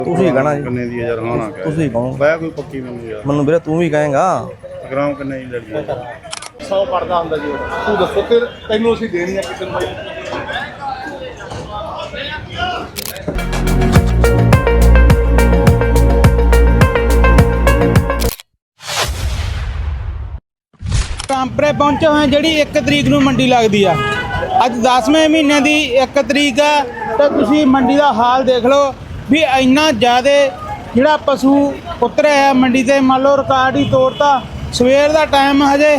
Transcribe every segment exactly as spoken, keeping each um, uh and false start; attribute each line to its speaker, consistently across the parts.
Speaker 1: ਤੁਸੀਂ ਕਹਣਾ ਜੀ
Speaker 2: ਕਿੰਨੇ ਦੀ ਯਾਰ ਹਾਂ ਨਾ ਕਹਿ
Speaker 1: ਤੁਸੀਂ ਕਹੋ
Speaker 2: ਬੈ ਕੋਈ ਪੱਕੀ ਮੈਨੂੰ ਯਾਰ
Speaker 1: ਮੈਨੂੰ ਵੀਰੇ ਤੂੰ ਵੀ ਕਹੇਗਾ
Speaker 2: ਗ੍ਰਾਮ ਕਿੰਨੇ ਦੀ ਲੜੀ
Speaker 3: ਸੌ ਪੜਦਾ ਹੁੰਦਾ ਜੀ ਤੂੰ ਦੱਸੋ ਤੇ ਤੈਨੂੰ ਅਸੀਂ ਦੇਣੀ ਆ ਕਿਸੇ ਨੂੰ ਬਾਈ
Speaker 4: ਰਾਮਪੁਰੇ ਪਹੁੰਚੇ ਹੋਏ ਜਿਹੜੀ ਇੱਕ ਤਰੀਕ ਨੂੰ ਮੰਡੀ ਲੱਗਦੀ ਆ। ਅੱਜ ਦਸਵੇਂ ਮਹੀਨੇ ਦੀ ਇੱਕ ਤਰੀਕ ਆ ਤੇ ਤੁਸੀਂ ਮੰਡੀ ਦਾ ਹਾਲ ਦੇਖ ਲਓ ਵੀ ਇੰਨਾ ਜ਼ਿਆਦਾ ਜਿਹੜਾ ਪਸ਼ੂ ਉਤਰਿਆ ਆ ਮੰਡੀ ਤੇ। ਮੰਨ ਲਓ ਰਿਕਾਰਡ ਹੀ ਤੋੜਤਾ। ਸਵੇਰ ਦਾ ਟਾਈਮ ਹਜੇ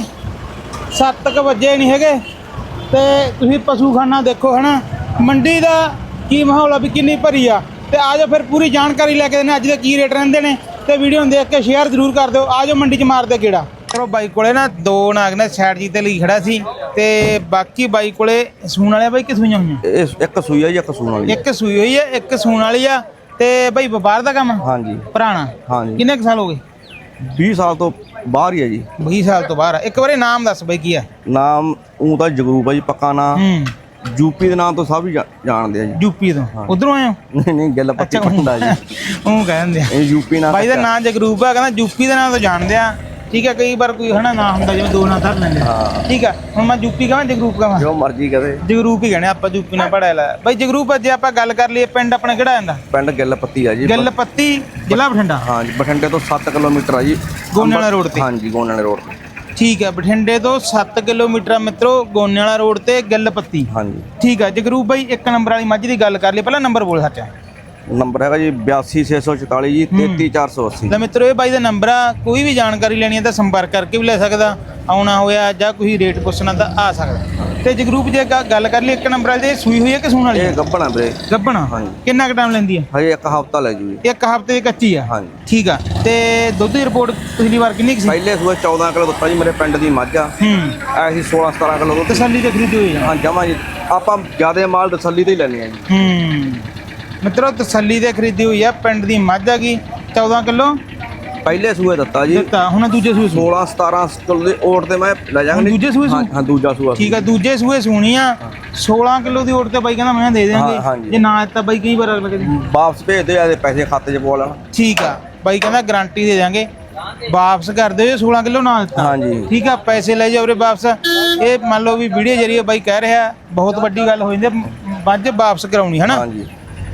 Speaker 4: ਸੱਤ ਕੁ ਵਜੇ ਨਹੀਂ ਹੈਗੇ ਤੇ ਤੁਸੀਂ ਪਸ਼ੂਖਾਨਾ ਦੇਖੋ ਹੈ ਨਾ ਮੰਡੀ ਦਾ ਕੀ ਮਾਹੌਲ ਆ ਵੀ ਕਿੰਨੀ ਭਰੀ ਆ। ਤੇ ਆ ਜਾਓ ਫਿਰ ਪੂਰੀ ਜਾਣਕਾਰੀ ਲੈ ਕੇ ਦਿੰਦੇ ਅੱਜ ਦੇ ਕੀ ਰੇਟ ਰਹਿੰਦੇ ਨੇ ਤੇ ਵੀਡੀਓ ਨੂੰ ਦੇਖ ਕੇ ਸ਼ੇਅਰ ਜ਼ਰੂਰ ਕਰ ਦਿਓ। ਆ ਜਾਓ ਮੰਡੀ 'ਚ ਮਾਰਦੇ ਗੇੜਾ। ਚਲੋ ਬਾਈ ਕੋਲੇ ਨਾ ਦੋ ਨਾਗ ਨੇ ਸਾਈਡ ਜੀ ਤੇ ਲਈ ਖੜਾ ਸੀ ਤੇ ਬਾਕੀ ਬਾਈ ਕੋਲੇ ਸੂਣ ਵਾਲੇ ਬਾਈ ਕਿ ਸੂਈਆਂ ਹੋਈਆਂ?
Speaker 1: ਇੱਕ ਸੂਈ ਆ ਜੀ ਇੱਕ ਸੂਣ ਵਾਲੀ
Speaker 4: ਇੱਕ ਸੂਈ ਹੋਈ ਆ ਇੱਕ ਸੂਣ ਵਾਲੀ ਆ। ਤੇ ਬਾਈ ਵਪਾਰ ਦਾ ਕੰਮ?
Speaker 1: ਹਾਂਜੀ
Speaker 4: ਪੁਰਾਣਾ।
Speaker 1: ਹਾਂਜੀ
Speaker 4: ਕਿੰਨੇ ਕੁ ਸਾਲ ਹੋ ਗਏ?
Speaker 1: ਵੀਹ ਸਾਲ ਤੋਂ ਬਾਹਰ ਹੀ ਆ ਜੀ।
Speaker 4: ਵੀਹ ਸਾਲ ਤੋਂ ਬਾਹਰ ਆ। ਇੱਕ ਵਾਰੀ ਨਾਮ ਦੱਸ ਬਾਈ ਕੀ ਆ?
Speaker 1: ਨਾਮ ਉਹ ਤਾਂ ਜਗਰੂਪ ਆ ਜੀ ਪੱਕਾ ਨਾਮ।
Speaker 4: ਹੂੰ
Speaker 1: ਯੂਪੀ ਦੇ ਨਾਮ ਤੋਂ ਸਭ ਹੀ ਜਾਣਦੇ ਆ ਜੀ।
Speaker 4: ਯੂਪੀ ਤੋਂ? ਉਧਰੋਂ ਆਏ ਹੋ?
Speaker 1: ਨਹੀਂ ਨਹੀਂ ਗੱਲ ਪੱਤੀ ਪੰਡਾ ਜੀ
Speaker 4: ਉਹ ਕਹਿੰਦੇ ਆ
Speaker 1: ਇਹ ਯੂਪੀ ਨਾਮ।
Speaker 4: ਬਾਈ ਦਾ ਨਾਂ ਜਗਰੂਪ ਆ। ਕਹਿੰਦਾ ਯੂਪੀ ਦੇ ਨਾਂ ਤੋਂ ਜਾਣਦੇ ਆ। ਠੀਕ ਹੈ ਕਈ ਵਾਰ ਕੋਈ ਹਨਾ ਨਾਂ ਹੁੰਦਾ ਜਿਵੇਂ ਦੋ ਨਾਂ ਧਰ ਲੈਂਦੇ। ਠੀਕ ਆ ਹੁਣ ਮੈਂ ਯੂਪੀ ਕਹਾਂ ਜਗਰੂਪ ਕਹਾਂ?
Speaker 1: ਜੋ ਮਰਜ਼ੀ ਕਰੇ
Speaker 4: ਜਗਰੂਪ ਹੀ ਕਹਿੰਦੇ ਆਪਾਂ ਯੂਪੀ ਨਾਲ ਪੜਿਆ ਲਾ। ਬਾਈ ਜਗਰੂਪ ਜੇ ਆਪਾਂ ਗੱਲ ਕਰ ਲਈਏ ਪਿੰਡ ਆਪਣਾ ਕਿਹੜਾ ਜਾਂਦਾ?
Speaker 1: ਪਿੰਡ ਗਿੱਲ ਪੱਤੀ ਆ ਜੀ।
Speaker 4: ਗਿੱਲ ਪੱਤੀ ਜ਼ਿਲ੍ਹਾ ਬਠਿੰਡਾ।
Speaker 1: ਹਾਂਜੀ ਬਠਿੰਡੇ ਤੋਂ ਸੱਤ ਕਿਲੋਮੀਟਰ ਆ ਜੀ
Speaker 4: ਗੋਨੇ ਵਾਲਾ ਰੋਡ ਤੇ।
Speaker 1: ਹਾਂਜੀ ਗੋਨੇ ਵਾਲੇ ਰੋਡ ਤੇ।
Speaker 4: ਠੀਕ ਹੈ ਬਠਿੰਡੇ ਤੋਂ ਸੱਤ ਕਿਲੋਮੀਟਰ ਮਿੱਤਰੋ ਗੋਨੇ ਵਾਲਾ ਰੋਡ ਤੇ ਗਿੱਲ ਪੱਤੀ।
Speaker 1: ਹਾਂਜੀ
Speaker 4: ਠੀਕ ਹੈ ਜਗਰੂਪ ਬਾਈ ਇੱਕ ਨੰਬਰ ਵਾਲੀ ਮੱਝ ਦੀ ਗੱਲ ਕਰ ਲਈ। ਪਹਿਲਾਂ ਨੰਬਰ ਬੋਲ ਸੱਚ।
Speaker 1: ਨੰਬਰ ਹੈਗਾ ਜੀ ਬਿਆਸੀ ਛੇ ਸੌ ਚੁਤਾਲੀ ਜੀ ਤੇਤੀ ਚਾਰ ਸੌ ਅੱਸੀ।
Speaker 4: ਲੈ ਮਿੱਤਰੋ ਇਹ ਬਾਈ ਦਾ ਨੰਬਰ ਆ। ਕੋਈ ਵੀ ਜਾਣਕਾਰੀ ਲੈਣੀ ਹੈ ਤਾਂ ਸੰਪਰਕ ਕਰਕੇ ਵੀ ਲੈ ਸਕਦਾ। ਆਉਣਾ ਹੋਇਆ ਜਾਂ ਕੋਈ ਰੇਟ ਪੁੱਛਣਾ ਤਾਂ ਆ ਸਕਦਾ। ਤੇ ਜਗਰੂਪ ਜੇ ਗੱਲ ਕਰ ਲਈ ਇੱਕ ਨੰਬਰ ਵਾਲੀ ਤੇ ਸੂਈ ਹੋਈ ਹੈ ਕਿ ਸੂਣ ਵਾਲੀ?
Speaker 1: ਇਹ ਗੱਭਣਾ ਵੀਰੇ।
Speaker 4: ਗੱਭਣਾ।
Speaker 1: ਹਾਂਜੀ।
Speaker 4: ਕਿੰਨਾ ਕੁ ਟਾਈਮ ਲੈਂਦੀ ਹੈ?
Speaker 1: ਹਜੇ ਇੱਕ ਹਫ਼ਤਾ ਲੈ ਜੂ ਜੀ।
Speaker 4: ਇੱਕ ਹਫ਼ਤੇ ਦੀ ਕੱਚੀ ਆ?
Speaker 1: ਹਾਂਜੀ।
Speaker 4: ਠੀਕ ਆ ਤੇ ਦੁੱਧ ਦੀ ਰਿਪੋਰਟ ਪਿਛਲੀ ਵਾਰ ਕਿੰਨੀ ਕੁ ਸੀ?
Speaker 1: ਪਹਿਲੇ ਸੂਏ ਚੌਦਾਂ ਕਿਲੋ ਦਿੱਤਾ ਜੀ ਮੇਰੇ ਪਿੰਡ ਦੀ ਮੱਝ ਆ।
Speaker 4: ਹੂੰ
Speaker 1: ਐਸੀ ਸੋਲਾਂ ਸਤਾਰਾਂ ਕਿਲੋ ਦੁੱਧ।
Speaker 4: ਤਸੱਲੀ ਤੇ ਖਰੀਦੀ ਹੋਈ ਆ?
Speaker 1: ਹਾਂ ਜਮਾ ਜੀ ਆਪਾਂ ਜਿਆਦਾ ਮਾਲ ਤਸੱਲੀ ਤੇ ਹੀ ਲੈਣੇ ਆ ਜੀ।
Speaker 4: ਹੂੰ ਮਿੱਤਰੋ ਤਸੱਲੀ ਤੇ ਖਰੀਦੀ ਹੋਈ ਆ। ਪਿੰਡ ਦੀ ਮੱਝ ਆ ਗਈ ਚੌਦਾਂ ਕਿਲੋ
Speaker 1: ਪਹਿਲੇ ਸੂਏ ਦਿੱਤਾ ਜੀ।
Speaker 4: ਦਿੱਤਾ ਹੁਣ ਦੂਜੇ ਸੂਏ
Speaker 1: ਸੋਲਾਂ ਸਤਾਰਾਂ ਕਿਲੋ ਦੇ ਓਟ ਤੇ ਮੈਂ ਲੈ ਜਾਵਾਂਗਾ।
Speaker 4: ਦੂਜੇ ਸੂਏ?
Speaker 1: ਹਾਂ ਦੂਜਾ ਸੂਆ।
Speaker 4: ਠੀਕ ਆ ਦੂਜੇ ਸੂਏ ਸੂਣੀ ਆ। ਸੋਲਾਂ ਕਿਲੋ ਦੀ ਓਟ ਤੇ ਬਾਈ ਕਹਿੰਦਾ ਮੈਂ ਦੇ ਦੇਵਾਂਗੇ। ਜੇ ਨਾ ਦਿੱਤਾ ਬਾਈ ਕਈ ਵਾਰ ਅਗਲੇ ਦਿਨ
Speaker 1: ਵਾਪਸ ਭੇਜ ਦੇ ਆਦੇ ਪੈਸੇ ਖਾਤੇ 'ਚ ਪਵਾ ਲੈਣਾ।
Speaker 4: ਠੀਕ ਆ ਬਾਈ ਕਹਿੰਦਾ ਗਾਰੰਟੀ ਦੇ ਦਾਂਗੇ ਵਾਪਸ ਕਰ ਦਿਓ ਜੇ ਸੋਲਾਂ ਕਿਲੋ ਨਾ ਦਿੱਤਾ।
Speaker 1: ਹਾਂਜੀ
Speaker 4: ਠੀਕ ਆ ਪੈਸੇ ਲੈ ਜਾਓ ਉਰੇ ਵਾਪਸ। ਇਹ ਮੰਨ ਲਓ ਵੀ ਵੀਡੀਓ ਜਰੀਏ ਬਾਈ ਕਹਿ ਰਿਹਾ ਬਹੁਤ ਵੱਡੀ ਗੱਲ ਹੋ ਜਾਂਦੀ ਮੱਝ ਵਾਪਸ ਕਰਾਉਣੀ ਹੈ ਨਾ। ਹਾਂਜੀ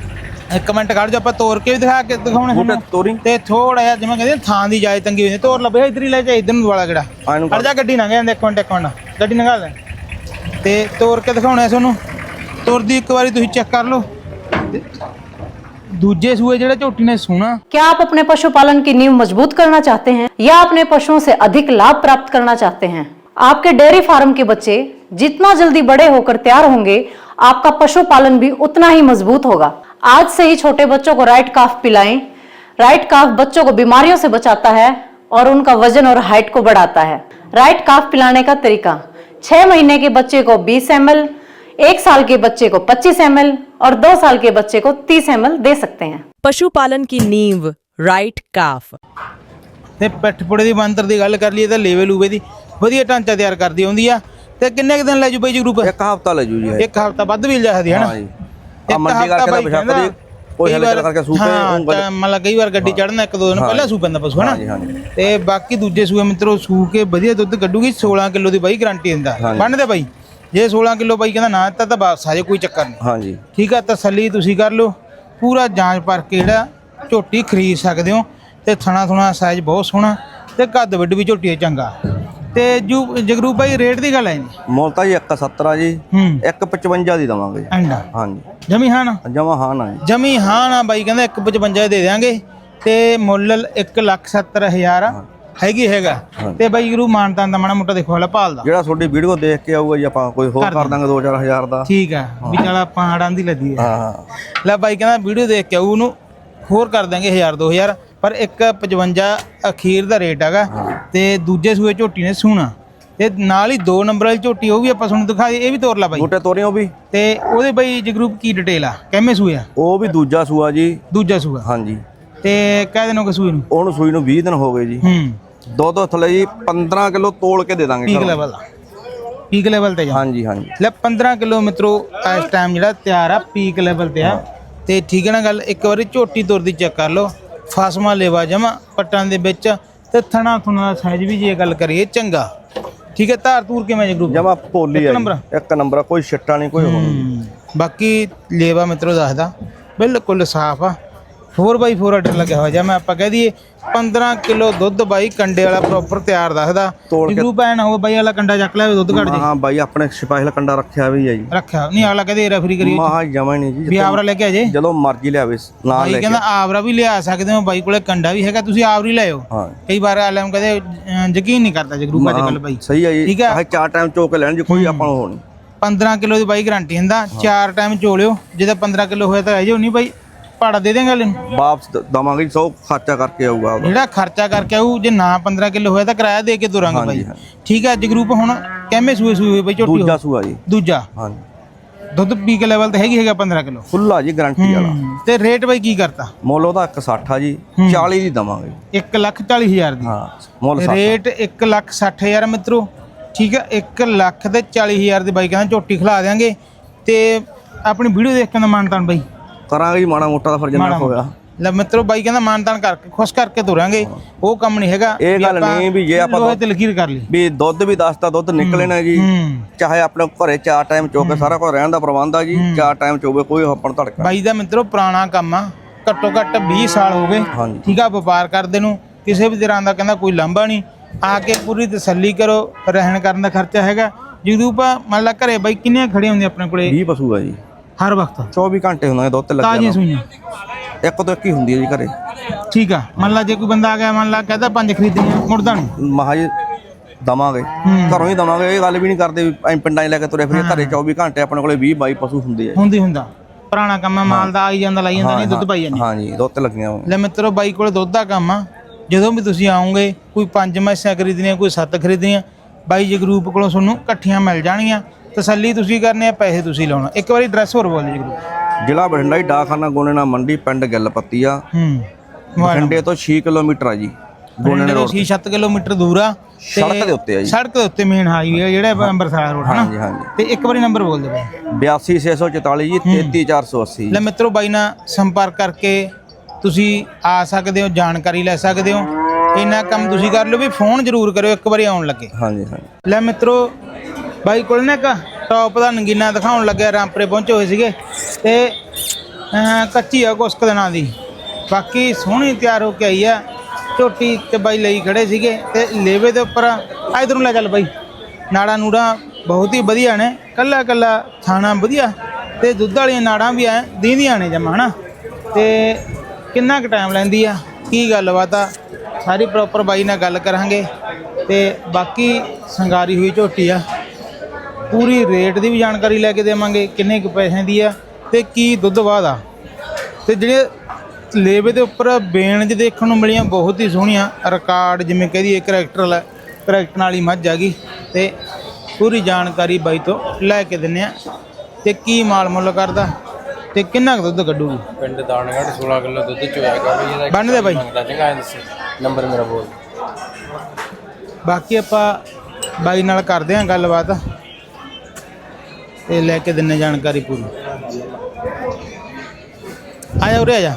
Speaker 4: ਇੱਕ ਮਿੰਟ ਕੱਢ ਜੋ ਆਪਾਂ ਤੋੜ ਕੇ ਵੀ ਦਿਖਾ ਕੇ ਦਿਖਾਉਣੇ
Speaker 1: ਤੋਰੀ
Speaker 4: ਤੇ ਥੋੜਾ ਜਿਹਾ ਜਿਵੇਂ ਕਹਿੰਦੇ ਥਾਂ ਦੀ ਜਾਇ ਤੰਗੀ ਹੋਈ ਤੋੜ ਲੱਭੇ ਇੱਧਰ ਹੀ ਲੈ ਜਾ ਇੱਧਰ ਨੂੰ ਦੁਆਲਾ ਕਿਹੜਾ ਅੜ ਜਾ ਗੱਡੀ ਲੰਘ ਜਾਂਦੇ ਇੱਕ ਮਿੰਟ ਇੱਕ ਮਿੰਟ ਗੱਡੀ ਲੰਘਾ ਲੈ ਤੇ ਤੋੜ ਕੇ ਦਿਖਾਉਣੇ ਤੁਹਾਨੂੰ। ਤੁਰਦੀ ਇੱਕ ਵਾਰੀ ਤੁਸੀਂ ਚੈੱਕ ਕਰ ਲਓ। दूजे सूए जेड़े झोटी ने सुना।
Speaker 5: क्या आप अपने पशुपालन की नींव मजबूत करना चाहते हैं या अपने पशुओं से अधिक लाभ प्राप्त करना चाहते हैं? आपके डेयरी फार्म के बच्चे जितना जल्दी बड़े होकर तैयार होंगे आपका पशुपालन भी उतना ही मजबूत होगा। आज से ही छोटे बच्चों को राइट काफ पिलाएं। राइट काफ बच्चों को बीमारियों से बचाता है और उनका वजन और हाइट को बढ़ाता है। राइट काफ पिलाने का तरीका, छह महीने के बच्चे को बीस एम एल, एक साल के बच्चे को पच्चीस एम एल और दो साल के बच्चे को तीस एम एल दे सकते हैं।
Speaker 6: पशुपालन की नींव राइट काफ।
Speaker 4: ਤੇ ਪਿੱਠਪੁੜੇ ਦੀ ਬੰਤਰ ਦੀ ਗੱਲ ਕਰ ਲਈਏ ਤਾਂ ਲੇਵੇ ਲੂਵੇ ਦੀ ਵਧੀਆ ਢਾਂਚਾ ਤਿਆਰ ਕਰਦੀ ਆਉਂਦੀ ਆ। ਤੇ ਕਿੰਨੇ ਕੁ ਦਿਨ ਲੈ ਜੂ ਬਾਈ ਜੀ ਗਰੁੱਪ?
Speaker 1: ਇੱਕ ਹਫ਼ਤਾ ਲੈ ਜੂ ਜੀ।
Speaker 4: ਇੱਕ ਹਫ਼ਤਾ ਵੱਧ ਵੀ ਲੈ ਸਕਦੀ ਹੈ ਨਾ।
Speaker 1: ਹਾਂ ਜੀ ਆ ਮੰਡੀ ਕਰਕੇ ਤਾਂ ਬਿਸ਼ਾ ਕਰੀ ਕੋਈ ਹਲੇ ਕਰਕੇ ਸੂਪੇ
Speaker 4: ਹਾਂ ਮਤਲਬ ਕਈ ਵਾਰ ਗੱਡੀ ਚੜਨਾ ਇੱਕ ਦੋ ਦਿਨ ਪਹਿਲਾਂ ਸੂ ਪੈਂਦਾ ਪਸ਼ੂ ਹੈ ਨਾ। ਤੇ ਬਾਕੀ ਦੂਜੇ ਸੂਏ ਮਿੱਤਰੋ ਸੂ ਕੇ ਵਧੀਆ ਦੁੱਧ ਕੱਢੂਗੀ। ਸੋਲਾਂ ਕਿਲੋ ਦੀ ਬਾਈ ਗਾਰੰਟੀ ਦਿੰਦਾ ਬੰਨਦੇ ਬਾਈ। ਜੇ ਸੋਲਾਂ ਕਿਲੋ ਬਾਈ ਕਹਿੰਦਾ ਨਾ ਦਿੱਤਾ ਤਾਂ ਬਸ ਆਜੇ ਕੋਈ ਚੱਕਰ ਨਹੀਂ। ਹਾਂਜੀ ਠੀਕ ਆ ਤਸੱਲੀ ਤੁਸੀਂ ਕਰ ਲਓ ਪੂਰਾ ਜਾਂਚ ਪਰ ਕੇ ਜਿਹੜਾ ਝੋਟੀ ਖਰੀਦ ਸਕਦੇ ਹੋ। ਤੇ ਥਣਾ ਥੁਣਾ ਸਾਈਜ਼ ਬਹੁਤ ਸੋਹਣਾ ਤੇ ਕੱਦ ਵੱਡ ਵੀ ਝੋਟੀ ਚੰਗਾ। ਤੇ ਜੂ ਜਗਰੂਪ ਬਾਈ ਰੇਟ ਦੀ ਗੱਲ ਹੈ ਜੀ
Speaker 1: ਮੁੱਲ ਤਾਂ ਜੀ ਇੱਕ ਸੱਤਰ ਜੀ ਇੱਕ ਪਚਵੰਜਾ ਦੀ ਦਵਾਂਗੇ। ਹਾਂਜੀ
Speaker 4: ਜਮੀ ਹਾਂ ਨਾ?
Speaker 1: ਜਮਾ ਹਾਂ ਨਾ ਜੀ
Speaker 4: ਜਮੀ ਹਾਂ ਨਾ ਬਾਈ ਕਹਿੰਦਾ ਇੱਕ ਪਚਵੰਜਾ ਦੇ ਦਿਆਂਗੇ ਤੇ ਮੁੱਲ ਇੱਕ ਲੱਖ ਸੱਤਰ ਹਜ਼ਾਰ ਹੈਗੀ ਹੈਗਾ। ਤੇ ਬਾਈ ਗੁਰੂ ਮਾਨਤਾਂ ਦਾ ਮਾੜਾ ਮੋਟਾ ਦੇਖੋ ਹਲਾ ਭਾਲਦਾ
Speaker 1: ਜਿਹੜਾ ਤੁਹਾਡੀ ਵੀਡੀਓ ਦੇਖ ਕੇ ਆਊਗਾ ਜੀ ਆਪਾਂ ਕੋਈ ਹੋਰ ਕਰ ਦਾਂਗੇ ਦੋ ਚਾਰ ਹਜ਼ਾਰ ਦਾ।
Speaker 4: ਠੀਕ ਆ ਵੀ ਚਲ ਆਪਾਂ ਆੜਾਂ ਦੀ ਲੱਦੀ ਹੈ। ਹਾਂ ਲੈ ਬਾਈ ਕਹਿੰਦਾ ਵੀਡੀਓ ਦੇਖ ਕੇ ਆਊ ਉਹਨੂੰ ਹੋਰ ਕਰ ਦਾਂਗੇ ਹਜ਼ਾਰ ਦੋ ਹਜ਼ਾਰ ਪਰ ਇੱਕ ਪਚਵੰਜਾ ਅਖੀਰ ਦਾ ਰੇਟ ਹੈਗਾ। ਤੇ ਦੂਜੇ ਸੂਏ ਝੋਟੀ ਨੇ ਸੂਣਾ ਤੇ ਨਾਲ ਹੀ ਦੋ ਨੰਬਰ ਵਾਲੀ ਝੋਟੀ ਉਹ ਵੀ ਆਪਾਂ ਤੁਹਾਨੂੰ ਦਿਖਾ ਇਹ ਵੀ ਤੋਰ ਲਾ ਬਾਈ।
Speaker 1: ਬੂਟੇ ਤੋਰੇ ਉਹ ਵੀ ਤੇ
Speaker 4: ਉਹਦੇ ਬਾਈ ਜਗਰੂਪ ਕੀ ਡਿਟੇਲ ਆ ਕਿੰਨੇ ਸੂਏ ਆ?
Speaker 1: ਉਹ ਵੀ ਦੂਜਾ ਸੂਆ ਜੀ।
Speaker 4: ਦੂਜਾ ਸੂਆ? ਹਾਂਜੀ ਤੇ ਕਹਿ ਦਿਨ ਹੋ ਗਏ ਸੂਏ ਨੂੰ? ਉਹਨੂੰ ਸੂਈ ਨੂੰ ਵੀਹ ਦਿਨ ਹੋ ਗਏ ਜੀ। ਹੂੰ ਦੋ ਦੋ ਥੱਲੇ ਜੀ ਪੰਦਰਾਂ ਕਿਲੋ ਤੋਲ ਕੇ ਦੇ ਦਾਂਗੇ ਪੀਕ ਲੈਵਲ ਦਾ। ਪੀਕ ਲੈਵਲ ਤੇ? ਹਾਂਜੀ ਹਾਂਜੀ ਲੈ ਪੰਦਰਾਂ ਕਿਲੋ ਮਿੱਤਰੋ ਇਸ ਟਾਈਮ ਜਿਹੜਾ ਤਿਆਰ ਆ ਪੀਕ ਲੈਵਲ ਤੇ ਆ। ਤੇ ਠੀਕ ਹੈ ਨਾ ਗੱਲ। ਇੱਕ ਵਾਰੀ ਝੋਟੀ ਤੁਰਦੀ ਚੈੱਕ ਕਰ ਲਓ, ਫਾਸਮਾ ਲੇਵਾ ਜਮਾ ਪੱਟਾਂ ਦੇ ਵਿੱਚ ਤੇ ਥਣਾ ਥੁਣਾ ਦਾ ਸਾਈਜ਼ ਵੀ ਜੇ ਗੱਲ ਕਰੀਏ ਚੰਗਾ। ਠੀਕ ਹੈ, ਧਾਰ ਧੂਰ ਕਿਵੇਂ ਜੇ ਗਰੁੱਪ
Speaker 1: ਜਮਾ ਪੋਲੀ ਆ ਜੀ, ਇੱਕ ਨੰਬਰ, ਕੋਈ ਛਿੱਟਾ ਨਹੀਂ, ਕੋਈ ਹੋਰ ਨਹੀਂ।
Speaker 4: ਬਾਕੀ ਲੇਵਾ ਮਿੱਤਰੋ ਦੱਸਦਾ ਬਿਲਕੁਲ ਸਾਫ ਆ। ਫੋਰ ਬਾਈ ਫੋਰ ਆਰਡਰ ਲੱਗਿਆ ਹੋਇਆ ਜਾਂ ਮੈਂ ਆਪਾਂ ਕਹਿ ਦਈਏ ਪੰਦਰਾਂ ਕਿਲੋ ਦੁੱਧ ਬਾਈ ਕੰਡੇ ਵਾਲਾ ਪ੍ਰੋਪਰ ਤਿਆਰ ਦੱਸਦਾ। ਗਰੁੱਪ ਐ ਨਾ ਹੋਵੇ ਬਾਈ ਵਾਲਾ ਕੰਡਾ ਚੱਕ ਲਿਆ ਦੁੱਧ ਘੱਟ ਜੇ।
Speaker 1: ਹਾਂ ਬਾਈ ਆਪਣੇ ਸਪੈਸ਼ਲ ਕੰਡਾ ਰੱਖਿਆ ਵੀ ਹੈ ਜੀ।
Speaker 4: ਰੱਖਿਆ ਨਹੀਂ, ਅਗਲਾ ਕਹਦੇ ਰੈਫਰੀ ਕਰੀ
Speaker 1: ਮਹਾ ਜਮਾ ਨਹੀਂ ਜੀ,
Speaker 4: ਵੀ ਆਵਰਾ ਲੈ ਕੇ ਆ ਜੇ
Speaker 1: ਜਦੋਂ ਮਰਜ਼ੀ ਲਿਆਵੇ ਨਾਲ ਲੈ
Speaker 4: ਕੇ। ਕਹਿੰਦਾ ਆਵਰਾ ਵੀ ਲਿਆ ਸਕਦੇ ਹੋ, ਬਾਈ ਕੋਲੇ ਕੰਡਾ ਵੀ ਹੈਗਾ, ਤੁਸੀਂ ਆਵਰੀ ਲਿਆਓ।
Speaker 1: ਹਾਂ
Speaker 4: ਕਈ ਵਾਰ ਆਲਮ ਕਹਦੇ ਅਹ, ਯਕੀਨ ਨਹੀਂ ਕਰਦਾ ਜਗਰੂ ਅੱਜ ਕੱਲ ਬਾਈ।
Speaker 1: ਸਹੀ ਹੈ ਜੀ,
Speaker 4: ਠੀਕ ਹੈ।
Speaker 1: ਆਹ ਚਾਰ ਟਾਈਮ ਚੋ ਕੇ ਲੈਣ ਜੀ, ਕੋਈ ਆਪਾਂ ਨੂੰ ਹੋ ਨਹੀਂ।
Speaker 4: ਪੰਦਰਾਂ ਕਿਲੋ ਦੀ ਬਾਈ ਗਾਰੰਟੀ ਹੁੰਦਾ, ਚਾਰ ਟਾਈਮ ਚੋਲਿਓ। ਜਿਹਦਾ ਪੰਦਰਾਂ ਕਿਲੋ ਹੋਇਆ ਤਾਂ ਰਹਿ ਜਾਓ, ਨਹੀਂ ਬਾਈ ਭਾੜਾ ਦੇ ਦੇਂਗਾ ਇਹਨੂੰ,
Speaker 1: ਵਾਪਸ ਦ- ਦਵਾਂਗੇ ਜੀ, ਸੌ ਖਰਚਾ ਕਰਕੇ ਆਊਗਾ ਉਹਦਾ।
Speaker 4: ਜਿਹੜਾ ਖਰਚਾ ਕਰਕੇ ਆਊ। ਜੇ ਨਾ ਪੰਦਰਾਂ ਕਿਲੋ ਹੋਇਆ ਤਾਂ ਕਿਰਾਇਆ ਦੇ ਕੇ ਤੁਰਾਂਗੇ ਬਾਈ। ਠੀਕ ਹੈ, ਜਗਰੂਪ ਹੁਣ ਕਿੰਨੇ ਸੂਏ ਸੂਏ ਹੋਏ ਬਾਈ ਝੋਟੀ?
Speaker 1: ਦੂਜਾ ਸੂਆ ਜੀ।
Speaker 4: ਦੂਜਾ।
Speaker 1: ਹਾਂਜੀ,
Speaker 4: ਦੁੱਧ ਪੀ ਕੇ ਲੈਵਲ ਤੇ ਹੈਗੀ ਹੈਗਾ ਪੰਦਰਾਂ ਕਿਲੋ
Speaker 1: ਖੁੱਲਾ ਜੀ, ਗਾਰੰਟੀ ਵਾਲਾ।
Speaker 4: ਤੇ ਰੇਟ ਬਾਈ ਕੀ ਕਰਤਾ?
Speaker 1: ਮੁੱਲ ਉਹਦਾ ਇੱਕ ਸੱਠ ਆ ਜੀ, ਚਾਲੀ ਦੀ ਦਵਾਂਗੇ।
Speaker 4: ਇੱਕ ਲੱਖ ਚਾਲੀ ਹਜ਼ਾਰ ਦੀ
Speaker 1: ਹਾਂ, ਮੁੱਲ ਸੱਠ।
Speaker 4: ਰੇਟ ਇੱਕ ਲੱਖ ਸੱਠ ਹਜ਼ਾਰ ਮਿੱਤਰੋ। ਠੀਕ ਹੈ, ਇੱਕ ਲੱਖ ਤੇ ਚਾਲੀ ਹਜ਼ਾਰ ਦੀ ਬਾਈ ਕਹਿੰਦਾ ਝੋਟੀ ਖਿਲਾ ਦਿਆਂਗੇ। ਤੇ ਆਪਣੀ ਵੀਡੀਓ ਦੇਖ ਕੇ ਦਾ ਮਾਨਤਾਨ ਬਾਈ
Speaker 1: ਕਰਾਂਗੇ ਜੀ, ਮਾੜਾ ਮੋਟਾ ਦਾ ਫਿਰ ਜਿੰਨਾ ਹੋਇਆ।
Speaker 4: ਲੈ ਮਿੱਤਰੋ ਬਾਈ ਕਹਿੰਦਾ ਮਾਨਤਾਨ ਕਰਕੇ ਖੁਸ਼ ਕਰਕੇ ਤੁਰਾਂਗੇ, ਉਹ ਕੰਮ ਨਹੀਂ ਹੈਗਾ।
Speaker 1: ਇਹ ਗੱਲ ਨਹੀਂ ਵੀ ਜੇ ਆਪਾਂ
Speaker 4: ਲੋਹੇ ਤੇ ਲਕੀਰ ਕਰ ਲਈ
Speaker 1: ਵੀ ਦੁੱਧ ਵੀ ਦੱਸਦਾ, ਦੁੱਧ ਨਿਕਲੇ ਨਾ ਜੀ। ਚਾਹੇ ਆਪਣੇ ਘਰੇ ਚਾਰ ਟਾਈਮ ਚੋਕੇ ਸਾਰਾ ਕੁਝ ਰਹਿਣ ਦਾ ਪ੍ਰਬੰਧ ਆ ਜੀ, ਚਾਰ ਟਾਈਮ ਚੋਵੇ, ਕੋਈ ਆਪਾਂ ਨੂੰ ਧੜਕਾ।
Speaker 4: ਬਾਈ ਦਾ ਮਿੱਤਰੋ ਪੁਰਾਣਾ ਕੰਮ ਆ, ਘੱਟੋ ਘੱਟ ਵੀਹ ਸਾਲ ਹੋ ਗਏ।
Speaker 1: ਹਾਂਜੀ।
Speaker 4: ਠੀਕ ਆ, ਵਪਾਰ ਕਰਦੇ ਨੂੰ ਕਿਸੇ ਵੀ ਤਰ੍ਹਾਂ ਦਾ ਕਹਿੰਦਾ ਕੋਈ ਲਾਂਭਾ ਨਹੀਂ। ਆ ਕੇ ਪੂਰੀ ਤਸੱਲੀ ਕਰੋ, ਰਹਿਣ ਕਰਨ ਦਾ ਖਰਚਾ ਹੈਗਾ। ਜਦੋਂ ਆਪਾਂ ਮੰਨ ਲਾ ਘਰੇ ਬਾਈ ਕਿੰਨੇ ਖੜੇ ਹੁੰਦੇ ਆਪਣੇ ਕੋਲੇ?
Speaker 1: ਵੀਹ ਪਸ਼ੂ ਆ ਜੀ,
Speaker 4: ਹਰ ਵਕਤ
Speaker 1: ਚੌਵੀ ਘੰਟੇ ਹੁੰਦੇ ਦੁੱਧ ਤੇ ਲੱਗਿਆ।
Speaker 4: ਤਾਜ਼ੀਆਂ ਸੂਈਆਂ
Speaker 1: ਇੱਕ ਤੋਂ ਇੱਕ ਹੀ ਹੁੰਦੀ ਹੈ ਜੀ ਘਰੇ।
Speaker 4: ਠੀਕ ਆ, ਮੰਨ ਲਾ ਜੇ ਕੋਈ ਬੰਦਾ ਆ ਗਿਆ, ਮੰਨ ਲਾ ਕਹਿੰਦਾ ਪੰਜ ਖਰੀਦਣੀਆਂ, ਮੁੜਦਾ ਨਹੀਂ।
Speaker 1: ਮਹਾ ਜੀ ਦਵਾਂਗੇ, ਘਰੋਂ ਹੀ ਦਵਾਂਗੇ। ਇਹ ਗੱਲ ਵੀ ਨਹੀਂ ਕਰਦੇ ਵੀ ਅਸੀਂ ਪਿੰਡਾਂ 'ਚ ਲੈ ਕੇ ਤੁਰੇ ਫਿਰੇ। ਘਰੇ ਚੌਵੀ ਘੰਟੇ ਆਪਣੇ ਕੋਲੇ ਵੀਹ ਬਾਈ ਪਸ਼ੂ ਹੁੰਦੇ ਆ।
Speaker 4: ਹੁੰਦੀ ਹੁੰਦਾ ਪੁਰਾਣਾ ਕੰਮ ਆ, ਮਾਲ ਦਾ ਆਈ ਜਾਂਦਾ ਲਾਈ ਜਾਂਦਾ, ਨਹੀਂ ਦੁੱਧ ਪਾਈ ਜਾਂਦੀ।
Speaker 1: ਹਾਂਜੀ, ਦੁੱਧ ਤੇ ਲੱਗੀਆਂ ਹੋਈਆਂ।
Speaker 4: ਲੈ ਮਿੱਤਰੋ ਬਾਈ ਕੋਲੇ ਦੁੱਧ ਦਾ ਕੰਮ ਆ। ਜਦੋਂ ਵੀ ਤੁਸੀਂ ਆਓਗੇ, ਕੋਈ ਪੰਜ ਮੈਸਾਂ ਖਰੀਦਣੀਆਂ, ਕੋਈ ਸੱਤ ਖਰੀਦਣੀਆਂ, ਬਾਈ ਜਗਰੂਪ ਕੋਲੋਂ ਤੁਹਾਨੂੰ ਇਕੱਠੀਆਂ ਮਿਲ ਜਾਣਗੀਆਂ। ਤਸੱਲੀ ਤੁਸੀਂ ਕਰਨੀ ਆ, ਪੈਸੇ ਤੁਸੀਂ ਲਾਉਣਾ। ਇੱਕ ਵਾਰੀ ਐਡਰੈਸ ਹੋਰ ਬੋਲ ਦਿਓ ਜਗਰੂਪ।
Speaker 1: ਜ਼ਿਲ੍ਹਾ ਬਠਿੰਡਾ ਜੀ, ਡਾਕਖਾਨਾ ਗੋਨੇਨਾ ਮੰਡੀ, ਪਿੰਡ ਗਿੱਲਪੱਤੀ ਆ।
Speaker 4: ਹੂੰ,
Speaker 1: ਬਠਿੰਡੇ ਤੋਂ ਛੇ ਕਿਲੋਮੀਟਰ ਆ ਜੀ।
Speaker 4: ਗੋਨੇਨਾ ਤੋਂ ਛੇ ਸੱਤ ਕਿਲੋਮੀਟਰ ਦੂਰ ਆ।
Speaker 1: ਸੜਕ ਦੇ ਉੱਤੇ ਆ ਜੀ,
Speaker 4: ਸੜਕ ਦੇ ਉੱਤੇ ਮੇਨ ਹਾਈਵੇ ਆ ਜਿਹੜਾ ਅੰਮ੍ਰਿਤਸਰ ਰੋਡ ਹੈ ਨਾ।
Speaker 1: ਹਾਂਜੀ ਹਾਂਜੀ।
Speaker 4: ਤੇ ਇੱਕ ਵਾਰੀ ਨੰਬਰ ਬੋਲ ਦਿਓ ਬਾਈ।
Speaker 1: ਬਿਆਸੀ ਛੇ ਸੌ ਚੁਤਾਲੀ ਜੀ, ਤੇਤੀ ਚਾਰ ਸੌ ਅੱਸੀ।
Speaker 4: ਲੈ ਮਿੱਤਰੋ ਬਾਈ ਨਾਲ ਸੰਪਰਕ ਕਰਕੇ ਤੁਸੀਂ ਆ ਸਕਦੇ ਹੋ, ਜਾਣਕਾਰੀ ਲੈ ਸਕਦੇ ਹੋ। ਇੰਨਾ ਕੰਮ ਤੁਸੀਂ ਕਰ ਲਓ ਵੀ ਫੋਨ ਜ਼ਰੂਰ ਕਰਿਓ ਇੱਕ ਵਾਰੀ ਆਉਣ ਲੱਗੇ।
Speaker 1: ਹਾਂਜੀ ਹਾਂਜੀ।
Speaker 4: ਲੈ ਮਿੱਤਰੋ ਬਾਈ ਕੋਲ ਨਾ ਇੱਕ ਟੌਪ ਦਾ ਨਗੀਨਾ ਦਿਖਾਉਣ ਲੱਗਿਆ, ਰਾਮਪੁਰੇ ਪਹੁੰਚੇ ਹੋਏ ਸੀਗੇ ਤੇ ਅਹ, ਕੱਚੀ ਆ ਕੁਸਕ ਦਿਨਾਂ ਦੀ, ਬਾਕੀ ਸੋਹਣੀ ਤਿਆਰ ਹੋ ਕੇ ਆਈ ਆ ਝੋਟੀ। ਤੇ ਬਾਈ ਲਈ ਖੜੇ ਸੀਗੇ ਤੇ ਲੇਵੇ ਦੇ ਉੱਪਰ ਇਧਰ ਨੂੰ ਲੈ ਚੱਲ ਬਾਈ। ਨਾੜਾਂ ਨੂੜਾਂ ਬਹੁਤ ਹੀ ਵਧੀਆ ਨੇ, ਕੱਲਾ ਕੱਲਾ ਥਾਣਾ ਵਧੀਆ ਤੇ ਦੁੱਧ ਵਾਲੀਆਂ ਨਾੜਾਂ ਵੀ ਐ ਦੀਂਦੀਆਂ ਨੇ ਜਮਾ ਹਨਾ। ਤੇ ਕਿੰਨਾ ਕੁ ਟਾਈਮ ਲੈਂਦੀ ਆ, ਕੀ ਗੱਲਬਾਤ ਆ, ਸਾਰੀ ਪ੍ਰੋਪਰ ਬਾਈ ਨਾਲ ਗੱਲ ਕਰਾਂਗੇ। ਤੇ ਬਾਕੀ ਸੰਗਾਰੀ ਹੋਈ ਝੋਟੀ ਆ, ਪੂਰੀ ਰੇਟ ਦੀ ਵੀ ਜਾਣਕਾਰੀ ਲੈ ਕੇ ਦੇਵਾਂਗੇ, ਕਿੰਨੇ ਕੁ ਪੈਸਿਆਂ ਦੀ ਆ ਤੇ ਕੀ ਦੁੱਧ ਬਾਅਦ ਆ। ਤੇ ਜਿਹੜੇ ਲੇਵੇ ਦੇ ਉੱਪਰ ਬੇਣ ਦੇਖਣ ਨੂੰ ਮਿਲੀਆਂ ਬਹੁਤ ਹੀ ਸੋਹਣੀਆਂ, ਰਿਕਾਰਡ ਜਿਵੇਂ ਕਹਿ ਦਈਏ ਕਰੈਕਟਰ ਵਾਲਾ ਕਰੈਕਟਰ ਵਾਲੀ ਮੱਝ ਆ ਗਈ। ਤੇ ਪੂਰੀ ਜਾਣਕਾਰੀ ਬਾਈ ਤੋਂ ਲੈ ਕੇ ਦਿੰਨੇ ਆ ਤੇ ਕੀ ਮਾਲ ਮੁੱਲ ਕਰਦਾ ਤੇ ਕਿੰਨਾ ਕੁ ਦੁੱਧ ਕੱਢੂਗੀ।
Speaker 7: ਪਿੰਡ ਦਾਨਗੜ੍ਹ ਸੋਲਾਂ ਕਿਲੋ ਦੁੱਧ ਚੋਇਆਗਾ ਬਈ ਇਹਦਾ।
Speaker 4: ਬੰਨ ਦੇ ਬਾਈ।
Speaker 7: ਚੰਗਾ ਦੱਸ ਨੰਬਰ ਮੇਰਾ ਬੋਲ।
Speaker 4: ਬਾਕੀ ਆਪਾਂ ਬਾਈ ਨਾਲ ਕਰਦੇ ਆਂ ਗੱਲਬਾਤ ਤੇ ਲੈ ਕੇ ਦਿੰਨੇ ਜਾਣਕਾਰੀ ਪੂਰੀ। ਆ ਜਾ ਉਰੇ ਆ ਜਾ,